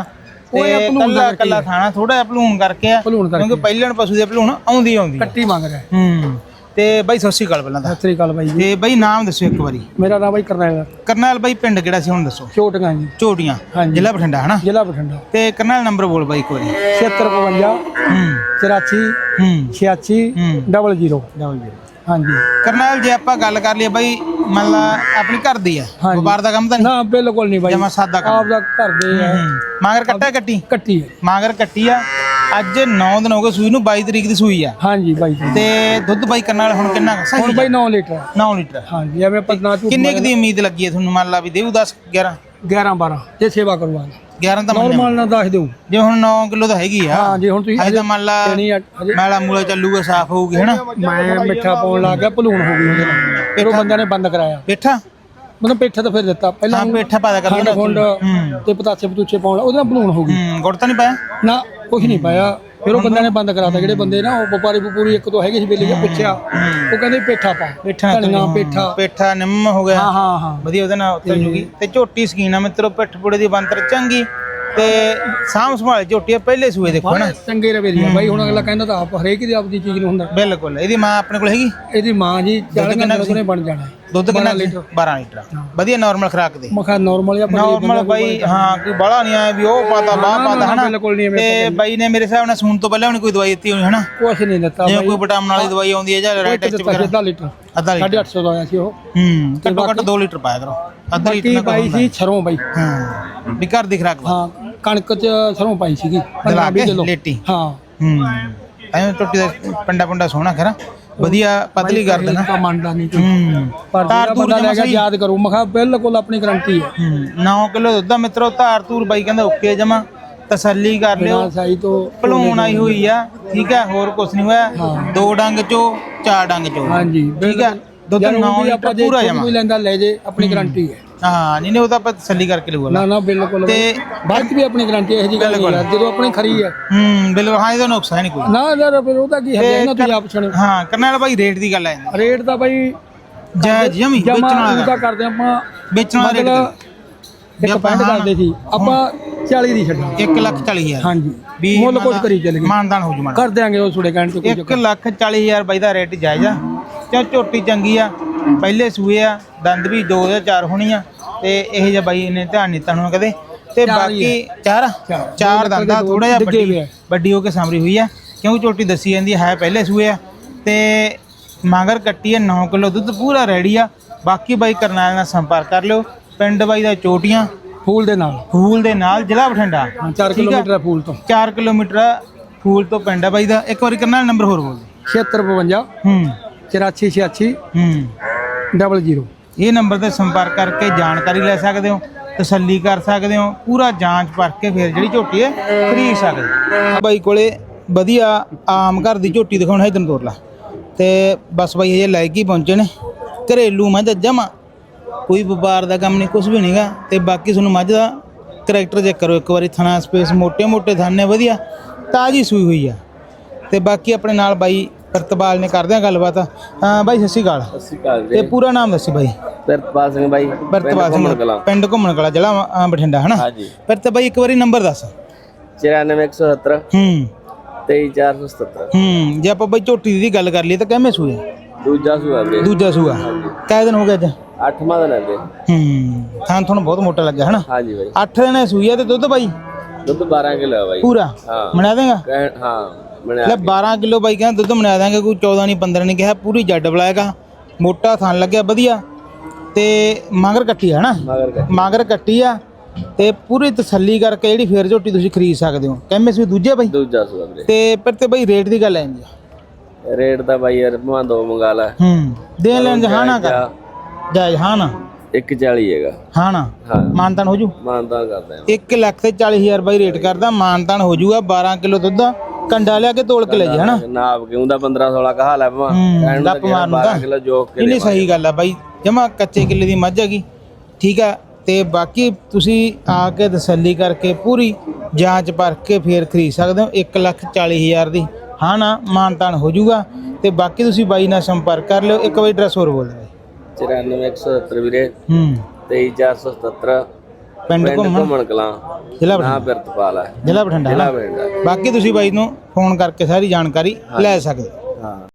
Speaker 10: ਉਹ ਇਹ ਭਲੂਣ
Speaker 4: ਕੱਲਾ
Speaker 10: ਕਰਕੇ
Speaker 4: ਕੱਲਾ ਖਾਣਾ ਥੋੜਾ ਜਿਹਾ ਭਲੂਣ ਕਰਕੇ ਆ
Speaker 10: ਭਲੂਣ ਕਰਕੇ।
Speaker 4: ਕਿਉਂਕਿ ਪਹਿਲਣ ਪਸ਼ੂ ਦੇ ਭਲੂਣ ਆਉਂਦੀ ਆਉਂਦੀ ਆ।
Speaker 10: ਕੱਟੀ ਮੰਗ ਰਿਹਾ।
Speaker 4: ਹੂੰ ਤੇ ਬਾਈ ਸਤਿ ਸ਼੍ਰੀ ਅਕਾਲ ਪਹਿਲਾਂ ਤਾਂ।
Speaker 10: ਸਤਿ ਸ੍ਰੀ ਅਕਾਲ ਬਾਈ ਜੀ।
Speaker 4: ਤੇ ਬਾਈ ਨਾਮ ਦੱਸੋ ਇੱਕ ਵਾਰੀ।
Speaker 10: ਮੇਰਾ ਨਾਮ ਬਾਈ ਕਰਨੈਲ
Speaker 4: ਕਰਨੈਲ ਬਾਈ ਪਿੰਡ ਕਿਹੜਾ ਸੀ ਹੁਣ ਦੱਸੋ।
Speaker 10: ਝੋਟੀਆਂ ਜੀ,
Speaker 4: ਝੋਟੀਆਂ
Speaker 10: ਹਾਂਜੀ।
Speaker 4: ਜ਼ਿਲ੍ਹਾ ਬਠਿੰਡਾ ਹਨਾ।
Speaker 10: ਜ਼ਿਲ੍ਹਾ ਬਠਿੰਡਾ।
Speaker 4: ਤੇ ਕਰਨੈਲ ਨੰਬਰ ਬੋਲ ਬਾਈ ਇੱਕ ਵਾਰੀ।
Speaker 10: ਛਿਅੱਤਰ ਬਵੰਜਾ
Speaker 4: ਹੂੰ
Speaker 10: ਚੁਰਾਸੀ
Speaker 4: ਹੂੰ
Speaker 10: ਛਿਆਸੀ
Speaker 4: ਹੂੰ
Speaker 10: ਡਬਲ ਜ਼ੀਰੋ।
Speaker 4: Double zero.
Speaker 10: ਹਾਂਜੀ
Speaker 4: ਕਰਨੈਲ ਜੇ ਆਪਾਂ ਗੱਲ ਕਰ ਲਈਏ ਬਾਈ ਮੰਨ ਲਾ ਆਪਣੀ ਘਰ ਦੀ ਆ,
Speaker 10: ਹਾਂਜੀ।
Speaker 4: ਵਪਾਰ ਦਾ ਕੰਮ ਤਾਂ ਨਹੀਂ।
Speaker 10: ਨਾ ਬਿਲਕੁਲ ਨਹੀਂ ਬਾਈ,
Speaker 4: ਜਮਾਂ ਸਾਦਾ ਕੰਮ।
Speaker 10: ਆਪ ਦਾ ਘਰ ਦੇ ਆ।
Speaker 4: ਹੂੰ। ਮਾਗਰ ਕੱਟਾ ਕੱਟੀ
Speaker 10: ਕੱਟੀ ਹੈ।
Speaker 4: ਮਾਗਰ ਕੱਟੀ ਆ। ਅੱਜ ਨੌ ਦਿਨ ਹੋ ਗਏ ਸੂਈ ਨੂੰ, ਬਾਈ ਤਰੀਕ ਦੀ ਸੂਈ ਆ।
Speaker 10: ਹਾਂਜੀ ਬਾਈ ਜੀ।
Speaker 4: ਤੇ ਦੁੱਧ ਬਾਈ ਕਰਨੈਲ ਹੁਣ ਕਿੰਨਾ ਕੁ?
Speaker 10: ਹੁਣ
Speaker 4: ਸਹੀ
Speaker 10: ਬਾਈ ਨੌ ਲੀਟਰ।
Speaker 4: ਨੌ ਲੀਟਰ।
Speaker 10: ਹਾਂਜੀ ਐਵੇਂ ਪਤਨਾ ਝੂਠ
Speaker 4: ਕਿੰਨੇ ਕੁ ਦੀ ਉਮੀਦ ਲੱਗੀ ਹੈ ਤੁਹਾਨੂੰ? ਮੰਨ ਲਾ ਵੀ ਦੇਊ ਦਸ ਗਿਆਰਾਂ
Speaker 10: ਗਿਆਰਾਂ ਬਾਰਾਂ ਜੇ ਸੇਵਾ ਕਰਵਾ
Speaker 4: ਗਿਆਰਾਂ ਤਾਂ ਮੰਨਿਆ।
Speaker 10: ਨੋਰਮਲ ਨਾਲ ਦੱਸ ਦਿਓ।
Speaker 4: ਜੇ ਹੁਣ ਨੌ ਕਿਲੋ ਤਾਂ ਹੈਗੀ ਆ।
Speaker 10: ਹਾਂ ਜੇ ਹੁਣ ਤੁਸੀਂ
Speaker 4: ਅਜੇ ਤਾਂ ਮੰਨ ਲਾ
Speaker 10: ਦੇਣੀ ਆ, ਹਜੇ
Speaker 4: ਮੈਲਾ ਮੂਲਾ ਚੱਲੂਗਾ, ਸਾਫ਼ ਹੋਊਗੀ ਹੈਨਾ।
Speaker 10: ਮੈਂ ਮਿੱਠਾ ਪਾਉਣ ਲੱਗ ਗਿਆ, ਭਲੂਣ ਹੋ ਗਈ ਉਹਦੇ ਨਾਲ। ਫਿਰ ਉਹ ਬੰਦਿਆਂ ਨੇ ਬੰਦ ਕਰਾਇਆ।
Speaker 4: ਪੇਠਾ
Speaker 10: ਮਤਲਬ ਪੇਠਾ ਤਾਂ ਫਿਰ ਦਿੱਤਾ ਪਹਿਲਾਂ।
Speaker 4: ਹਾਂ ਪੇਠਾ ਪਾਦਾ ਕਰ
Speaker 10: ਖੰਡ ਖੁੰਡ
Speaker 4: ਹੂੰ
Speaker 10: ਤੇ ਪਤਾਸੇ ਪਤੂਚੇ ਪਾਉਣ, ਉਹਦੇ ਨਾਲ ਭਲੂਣ ਹੋ ਗਈ।
Speaker 4: ਹੂੰ ਗੁੜ ਤਾਂ ਨਹੀਂ ਪਾਇਆ?
Speaker 10: ਨਾ ਕੁਝ ਨਹੀਂ ਪਾਇਆ। ਫਿਰ ਉਹ ਬੰਦਿਆਂ ਨੇ ਬੰਦ ਕਰਾਤਾ। ਜਿਹੜੇ ਬੰਦੇ ਨਾ ਉਹ ਵਪਾਰੀ ਵਪੂਰੀ ਇੱਕ ਤੋਂ ਹੈਗੇ ਸੀ ਵੇਲੇ ਪੁੱਛਿਆ, ਉਹ ਕਹਿੰਦੇ ਪੇਠਾ ਪਾ।
Speaker 4: ਪੇਠਾ
Speaker 10: ਧਨੀਆ ਪੇਠਾ।
Speaker 4: ਪੇਠਾ ਨਿੰਮ ਹੋ ਗਿਆ।
Speaker 10: ਹਾਂ ਹਾਂ ਹਾਂ
Speaker 4: ਵਧੀਆ ਉਹਦੇ ਨਾਲ ਉੱਤਰ ਜੂਗੀ। ਤੇ ਝੋਟੀ ਸਕੀਨ ਆ ਮਿੱਤਰੋ, ਪਿੱਠ ਪੁੜੇ ਦੀ ਬੰਤਰ ਚੰਗੀ ਤੇ ਸਾਂਭ ਸੰਭਾਲ ਝੋਟੀ ਆ। ਪਹਿਲੇ ਸੂਏ ਦੇਖੋ ਨਾ
Speaker 10: ਚੰਗੇ ਰਵੇ ਦੀ ਆ ਬਾਈ। ਹੁਣ ਅਗਲਾ ਕਹਿੰਦਾ ਤਾਂ ਆਪ ਹਰੇਕ ਦੀ ਆਪਦੀ ਚੀਜ਼ ਨੂੰ ਹੁੰਦਾ।
Speaker 4: ਬਿਲਕੁਲ। ਇਹਦੀ ਮਾਂ ਆਪਣੇ ਕੋਲ ਹੈਗੀ?
Speaker 10: ਇਹਦੀ ਮਾਂ ਜੀ ਚਾਲੀ
Speaker 4: ਕਿੰਨਾ
Speaker 10: ਕਿਲੋ ਨੇ ਬਣ ਜਾਣਾ।
Speaker 4: ਦੁੱਧ ਕਿੰਨਾ
Speaker 10: ਲੀਟਰ?
Speaker 4: ਬਾਰਾਂ ਲੀਟਰ। ਵਧੀਆ ਨਾਰਮਲ ਖੁਰਾਕ ਦੇ।
Speaker 10: ਮਖਾ ਨਾਰਮਲ ਆ
Speaker 4: ਨਾਰਮਲ ਬਾਈ। ਹਾਂ ਕੋਈ ਬਾਹਲਾ ਨਹੀਂ ਆਇਆ ਵੀ ਉਹ ਪਾਤਾ ਬਾਹ ਪਾਤਾ ਹਨਾ।
Speaker 10: ਬਿਲਕੁਲ ਨਹੀਂ।
Speaker 4: ਤੇ ਬਾਈ ਨੇ ਮੇਰੇ ਹਿਸਾਬ ਨਾਲ ਸੂਣ ਤੋਂ ਪਹਿਲਾਂ ਉਹਨੇ ਕੋਈ ਦਵਾਈ ਦਿੱਤੀ ਹੋਣੀ ਹਨਾ।
Speaker 10: ਕੁਛ ਨਹੀਂ ਦਿੱਤਾ
Speaker 4: ਜਿਵੇਂ
Speaker 10: ਬਾਈ।
Speaker 4: ਕੋਈ ਵਿਟਾਮਿਨ ਵਾਲੀ ਦਵਾਈ ਆਉਂਦੀ ਹੈ ਜਾਂ ਰੈਡ ਟੈਸਟ ਵਗੈਰਾ।
Speaker 10: ਅੱਧਾ ਲੀਟਰ
Speaker 4: ਅੱਧਾ ਲੀਟਰ
Speaker 10: ਸਾਢੇ ਅੱਠ ਸੌ ਦਾ ਆਇਆ ਸੀ ਉਹ।
Speaker 4: ਹੂੰ ਘੱਟੋ ਘੱਟ ਦੋ ਲੀਟਰ ਪਾਇਆ ਕਰੋ। ਅੱਧਾ ਲੀਟਰ
Speaker 10: ਬਾਕੀ
Speaker 4: ਨਾ
Speaker 10: ਪਾਈ ਸੀ ਸਰੋਂ ਬਾਈ।
Speaker 4: ਹਾਂ ਵੀ ਘਰ ਦੀ ਖੁਰਾਕ
Speaker 10: ਹਾਂ ਕਣਕ ਚ ਸਰੋਂ ਪਾਈ ਸੀਗੀ
Speaker 4: ਦਲਾ ਕੇ
Speaker 10: ਕਿਲੋ।
Speaker 4: ਲੇਟੀ।
Speaker 10: ਹਾਂ
Speaker 4: ਹੂੰ ਐਵੇਂ ਟੁੱਟੀ ਦਾ ਪੰਡਾ ਪੰਡਾ ਸੋਹਣਾ ਖਰਾ ਵਧੀਆ ਪਤਲੀ ਕਰ ਦੇਣਾ।
Speaker 10: ਤਾਂ ਮੰਨਦਾ ਨਹੀਂ ਕੋਈ।
Speaker 4: ਹੂੰ
Speaker 10: ਪਰ ਜਿਹੜਾ ਬੰਦਾ ਲੈ ਗਿਆ ਯਾਦ ਕਰੋ। ਮਖਾ ਬਿਲਕੁਲ ਆਪਣੀ ਗਰੰਟੀ ਹੈ।
Speaker 4: ਹੂੰ ਨੌ ਕਿਲੋ ਦੁੱਧ ਆ ਮਿੱਤਰੋ। ਧਾਰ ਧੂਰ ਬਾਈ ਕਹਿੰਦਾ ਓਕੇ ਜਮਾ। ਤਸੱਲੀ ਕਰ ਲਿਓ।
Speaker 10: ਬਿਨਾਂ ਸਾਈ ਤੋਂ
Speaker 4: ਭਲੂਣ ਆਈ ਹੋਈ ਆ। ਠੀਕ ਹੈ ਹੋਰ ਕੁਛ ਨਹੀਂ ਹੋਇਆ। ਦੋ ਡੰਗ ਚੋ ਚਾਰ ਡੰਗ ਚੋ।
Speaker 10: ਹਾਂਜੀ
Speaker 4: ਠੀਕ ਹੈ ਦੁੱਧ ਨੌ ਲੀਟਰ ਪੂਰਾ ਜਮਾ।
Speaker 10: ਕੋਈ ਲੈਂਦਾ ਲੈ ਜੇ ਆਪਣੀ ਗਰੰਟੀ ਹੈ।
Speaker 4: ਹਾਂ ਨਹੀਂ ਨਹੀਂ ਉਹ ਤਾਂ ਆਪਾਂ ਤਸੱਲੀ ਕਰਕੇ ਲਊਗਾ।
Speaker 10: ਨਾ ਨਾ ਬਿਲਕੁਲ।
Speaker 4: ਤੇ
Speaker 10: ਬਾਅਦ ਚ ਵੀ ਆਪਣੀ ਗਰੰਟੀ ਇਹੋ ਜਿਹੀ ਗੱਲ ਨਹੀਂ ਹੈ। ਜਦੋਂ ਆਪਣੀ ਖਰੀ ਹੈ।
Speaker 4: ਹੂੰ ਬਿਲਕੁਲ। ਹਾਂ ਇਹਦਾ ਨੁਕਸ ਹੈ ਨਹੀਂ ਕੋਈ।
Speaker 10: ਨਾ ਯਾਰ ਫਿਰ ਉਹਦਾ ਕੀ ਹੈ ਨਾ ਤੁਸੀਂ ਆਪ ਸੁਣੋ।
Speaker 4: ਹਾਂ ਕਰਨੈਲ ਬਾਈ ਰੇਟ ਦੀ ਗੱਲ ਆ ਜਾਂਦੀ।
Speaker 10: ਰੇਟ ਦਾ ਬਾਈ
Speaker 4: ਜਾਇਜ਼ ਜਮੀ ਵੇਚਣ
Speaker 10: ਜਮਾ
Speaker 4: ਵਾਲਾ
Speaker 10: ਉਹਦਾ ਕਰਦੇ ਆਪਾਂ
Speaker 4: ਵੇਚਣ ਵਾਲਾ ਰੇਟ
Speaker 10: ਇੱਕ ਪੈਂਟ ਕਰਦੇ ਸੀ ਆਪਾਂ ਚਾਲੀ ਦੀ ਛੱਡਾਂ।
Speaker 4: ਇੱਕ ਲੱਖ ਚਾਲੀ ਹਜ਼ਾਰ।
Speaker 10: ਹਾਂਜੀ
Speaker 4: ਵੀ
Speaker 10: ਮੁੱਲ ਕੁਝ ਕਰੀ ਚੱਲ ਗਏ।
Speaker 4: ਮਾਨਦਾਨ ਹੋ ਜੂ ਮਾਨ
Speaker 10: ਕਰ ਦਿਆਂਗੇ ਉਹ ਛੋੜੇ ਕਹਿਣ ਤੋਂ ਕੋਈ
Speaker 4: ਇੱਕ ਲੱਖ ਚਾਲੀ ਹਜ਼ਾਰ ਬਾਈ ਦਾ ਰੇਟ ਜਾਇਜ਼ ਆ। ਚਾ ਝੋਟੀ ਚੰਗੀ ਆ। ਪਹਿਲੇ ਸੂਏ ਆ। ਦੰਦ ਵੀ ਦੋ ਜਾਂ ਚਾਰ ਹੋਣੀ ਆ। ਤੇ ਇਹ ਜਿਹਾ ਬਾਈ ਨੇ ਧਿਆਨ ਨਹੀਂ ਤਣੂ ਕਦੇ। ਤੇ ਬਾਕੀ ਚਾਰ ਚਾਰ ਦੰਦਾ ਥੋੜਾ ਜਿਹਾ ਵੱਡੀ ਵੱਡੀ ਹੋ ਕੇ ਸਾਂਭਰੀ ਹੋਈ ਆ। ਕਿਉਂਕਿ ਝੋਟੀ ਦੱਸੀ ਜਾਂਦੀ ਹੈ ਪਹਿਲੇ ਸੂਏ ਆ। ਤੇ ਮਗਰ ਕੱਟੀ ਆ। ਨੌ ਕਿਲੋ ਦੁੱਧ ਪੂਰਾ ਰੈਡੀ ਆ। ਬਾਕੀ ਬਾਈ ਕਰਨੈਲ ਨਾਲ ਸੰਪਰਕ ਕਰ ਲਿਓ। ਪਿੰਡ ਬਾਈ ਦਾ ਚੋਟੀਆਂ
Speaker 10: ਫੂਲ ਦੇ ਨਾਲ।
Speaker 4: ਫੂਲ ਦੇ ਨਾਲ ਜ਼ਿਲ੍ਹਾ ਬਠਿੰਡਾ।
Speaker 10: ਚਾਰ ਕਿਲੋਮੀਟਰ ਫੂਲ ਤੋਂ।
Speaker 4: ਚਾਰ ਕਿਲੋਮੀਟਰ ਫੂਲ ਤੋਂ ਪਿੰਡ ਆ ਬਾਈ ਦਾ। ਇੱਕ ਵਾਰੀ ਕਰਨੈਲ ਨੰਬਰ ਹੋਰ ਬੋਲ।
Speaker 10: ਛਿਅੱਤਰ ਬਵੰਜਾ
Speaker 4: ਹੂੰ
Speaker 10: ਚੁਰਾਸੀ ਛਿਆਸੀ
Speaker 4: ਹੂੰ
Speaker 10: ਡਬਲ ਜ਼ੀਰੋ।
Speaker 4: ਇਹ ਨੰਬਰ ਤੇ ਸੰਪਰਕ ਕਰਕੇ ਜਾਣਕਾਰੀ ਲੈ ਸਕਦੇ ਹੋ। ਤਸੱਲੀ ਕਰ ਸਕਦੇ ਹੋ। ਪੂਰਾ ਜਾਂਚ ਪਰਖ ਕੇ ਫਿਰ ਜਿਹੜੀ ਝੋਟੀ ਹੈ ਖਰੀਦ ਸਕਦੇ ਹੋ। ਬਾਈ ਕੋਲੇ ਵਧੀਆ ਆਮ ਘਰ ਦੀ ਝੋਟੀ ਦਿਖਾਉਣਾ ਹੈ। ਤੈਨੂੰ ਤੋਰ ਲਾ ਤੇ ਬਸ ਬਾਈ ਇਹ ਲੈ ਕੇ ਪਹੁੰਚੇ ਨੇ। ਘਰੇਲੂ ਮੱਝ ਜਮਾ ਕੋਈ ਵਪਾਰ ਦਾ ਕੰਮ ਨਹੀਂ ਕੁਝ ਵੀ ਨਹੀਂਗਾ। ਤੇ ਬਾਕੀ ਤੁਹਾਨੂੰ ਮੱਝ ਦਾ ਕਰੈਕਟਰ ਚੈੱਕ ਕਰੋ ਇੱਕ ਵਾਰੀ। ਥਣਾ ਸਪੇਸ ਮੋਟੇ ਮੋਟੇ ਥਾਨੇ ਵਧੀਆ ਤਾਜ਼ੀ ਸੂਈ ਹੋਈ ਆ। ਤੇ ਬਾਕੀ ਆਪਣੇ ਨਾਲ ਬਾਈ ਪ੍ਰਤਪਾਲ ਨੇ ਕਰਦੇ ਆ ਗੱਲਬਾਤ। ਹਾਂ ਬਾਈ ਸਤਿ ਸ਼੍ਰੀ ਅਕਾਲ।
Speaker 11: ਸਤਿ ਸ਼੍ਰੀ ਅਕਾਲ
Speaker 4: ਤੇ ਪੂਰਾ ਨਾਮ ਦੱਸੀ ਬਾਈ।
Speaker 11: ਪ੍ਰਤਪਾਲ ਸਿੰਘ ਬਾਈ।
Speaker 4: ਪ੍ਰਤਪਾਲ ਸਿੰਘ ਪਿੰਡ ਘੁੰਮਣ ਕਲਾ ਜ਼ਿਲ੍ਹਾ ਅ, ਬਠਿੰਡਾ ਹਨਾ।
Speaker 11: ਹਾਂਜੀ।
Speaker 4: ਪ੍ਰਤ ਬਾਈ ਇੱਕ ਵਾਰੀ ਨੰਬਰ ਦੱਸ।
Speaker 11: ਚੁਰਾਨਵੇਂ ਇੱਕ ਸੌ ਸੱਤਰ
Speaker 4: ਹੂੰ
Speaker 11: ਤੇਈ ਚਾਰ ਸੌ ਸਤੱਤਰ।
Speaker 4: ਹੂੰ ਜੇ ਆਪਾਂ ਬਾਈ ਝੋਟੀ ਦੀ ਗੱਲ ਕਰ ਲਈਏ ਤਾਂ ਕਿਵੇਂ ਸੂਏ?
Speaker 11: ਦੂਜਾ ਸੂਆ ਵੀਰੇ।
Speaker 4: ਦੂਜਾ ਸੂਆ। ਕਿੰਨੇ ਦਿਨ ਹੋ ਗਏ ਅੱਜ?
Speaker 11: ਅੱਠਵਾਂ ਦਿਨ ਹੈ ਵੀਰੇ।
Speaker 4: ਹੂੰ ਥਾਂ ਤੁਹਾਨੂੰ ਬਹੁਤ ਮੋਟਾ ਲੱਗਿਆ ਹਨਾ।
Speaker 11: ਹਾਂਜੀ ਬਾਈ।
Speaker 4: ਅੱਠ ਦਿਨ ਸੂਈ ਆ ਤੇ ਦੁੱਧ ਬਾਈ
Speaker 11: ਦੁੱਧ ਬਾਰਾਂ ਕਿਲੋ ਹੈ ਬਾਈ
Speaker 4: ਪੂਰਾ।
Speaker 11: ਹਾਂ
Speaker 4: ਬਣਾ ਦੇਗਾ?
Speaker 11: ਕਹਿ- ਹਾਂ ਬਣਿਆ
Speaker 4: ਲੈ ਬਾਰਾਂ ਕਿਲੋ ਬਾਈ ਕਹਿੰਦਾ ਦੁੱਧ ਬਣਾ ਦਾਂਗੇ। ਕੋਈ ਚੌਦਾਂ ਨਹੀਂ ਪੰਦਰਾਂ ਨਹੀਂ ਕਿਹਾ। ਪੂਰੀ ਜੱਡ ਬਲਾਏਗਾ। ਮੋਟਾ ਥਣ ਲੱਗਿਆ ਵਧੀਆ। ਤੇ ਮਗਰ ਕੱਟੀ ਹੈ ਨਾ।
Speaker 11: ਮਗਰ ਕੱਟੀ।
Speaker 4: ਮਗਰ ਕੱਟੀ ਆ। ਤੇ ਪੂਰੀ ਤਸੱਲੀ ਕਰਕੇ ਜਿਹੜੀ ਫੇਰ ਝੋਟੀ ਤੁਸੀਂ ਖਰੀਦ ਸਕਦੇ ਹੋ। ਕਹਿੰਦੇ ਸੀ ਦੂਜੇ ਬਾਈ।
Speaker 11: ਦੂਜਾ ਸੂਆ ਵੀਰੇ।
Speaker 4: ਤੇ ਪਰ ਤੇ ਬਾਈ ਰੇਟ ਦੀ ਗੱਲ ਆ ਜਾਂਦੀ ਆ।
Speaker 11: ਰੇਟ ਦਾ ਬਾਈ ਯਾਰ ਭਾਂ ਦੋ ਮੰਗਾ ਲੈ।
Speaker 4: ਹੂੰ ਦੇਣ ਲੈਣ ਹਾਂ ਨਾ ਕਰ ਜਾਇਜ਼। ਹਾਂ ਨਾ
Speaker 11: ਇੱਕ ਚਾਲੀ ਹੈਗਾ।
Speaker 4: ਹਾਂ ਨਾ
Speaker 11: ਹਾਂ
Speaker 4: ਮਾਨਤਾਨ ਹੋ ਜੂ।
Speaker 11: ਮਾਨਦਾਨ ਕਰਦੇ ਆ।
Speaker 4: ਇੱਕ ਲੱਖ ਤੇ ਚਾਲੀ ਹਜ਼ਾਰ ਬਾਈ ਰੇਟ ਕਰਦਾ। ਮਾਨਤਾਨ ਹੋ ਜੂਗਾ। ਬਾਰਾਂ ਕਿਲੋ ਦੁੱਧ ਕੰਡਾ ਲਿਆ ਕੇ ਤੋਲ ਕੇ ਲੈ ਜਾ ਹਨਾ।
Speaker 11: ਨਾਪ ਕਿਉਂ ਦਾ ਪੰਦਰਾਂ ਸੋਲਾਂ ਕਹਾ ਲੈ ਭਾਂ
Speaker 4: ਹੂੰ ਲੱਪ ਮਾਰਨ ਦਾ।
Speaker 11: ਬਾਰਾਂ ਕਿਲੋ ਜੋਕ ਕੇ
Speaker 4: ਨਹੀਂ ਸਹੀ ਗੱਲ ਆ ਬਾਈ ਜਮਾ ਕੱਚੇ ਕਿੱਲੇ ਦੀ ਮੱਝ ਹੈਗੀ। ਠੀਕ ਆ। ਤੇ ਬਾਕੀ ਤੁਸੀਂ ਆ ਕੇ ਤਸੱਲੀ ਕਰਕੇ ਪੂਰੀ ਜਾਂਚ ਪਰਖ ਕੇ ਫੇਰ ਖਰੀਦ ਸਕਦੇ ਹੋ। ਇੱਕ ਲੱਖ ਚਾਲੀ ਹਜ਼ਾਰ ਦੀ ਹਾਂ ਨਾ ਮਾਨਤਾਨ ਹੋ ਜੂਗਾ। ਤੇ ਬਾਕੀ ਤੁਸੀਂ ਬਾਈ ਨਾਲ ਸੰਪਰਕ ਕਰ ਲਿਓ। ਇੱਕ ਵਾਰੀ ਐਡਰੈਸ ਹੋਰ ਬੋਲ ਦਿਓ।
Speaker 11: ਚੁਰਾਨਵੇਂ ਇੱਕ ਸੌ ਸੱਤਰ ਵੀਰੇ।
Speaker 4: ਹੂੰ
Speaker 11: ਤੇਈ ਚਾਰ ਸੌ ਸਤੱਤਰ
Speaker 4: ਪਿੰਡ
Speaker 11: ਪਿੰਡ
Speaker 4: ਘੁੰਮਣ
Speaker 11: ਘੁੰਮਣ ਕਲਾਂ
Speaker 4: ਜ਼ਿਲ੍ਹਾ
Speaker 11: ਨਾ
Speaker 4: ਬਠਿੰਡਾ
Speaker 11: ਬਿਰਤਪਾਲ ਹੈ
Speaker 4: ਜ਼ਿਲ੍ਹਾ ਬਠਿੰਡਾ
Speaker 11: ਜ਼ਿਲ੍ਹਾ
Speaker 4: ਨਾ?
Speaker 11: ਬਠਿੰਡਾ।
Speaker 4: ਬਾਕੀ ਤੁਸੀਂ ਬਾਈ ਨੂੰ ਫੋਨ ਕਰਕੇ ਸਾਰੀ ਜਾਣਕਾਰੀ ਲੈ ਸਕਦੇ ਹੋ।
Speaker 11: ਹਾਂ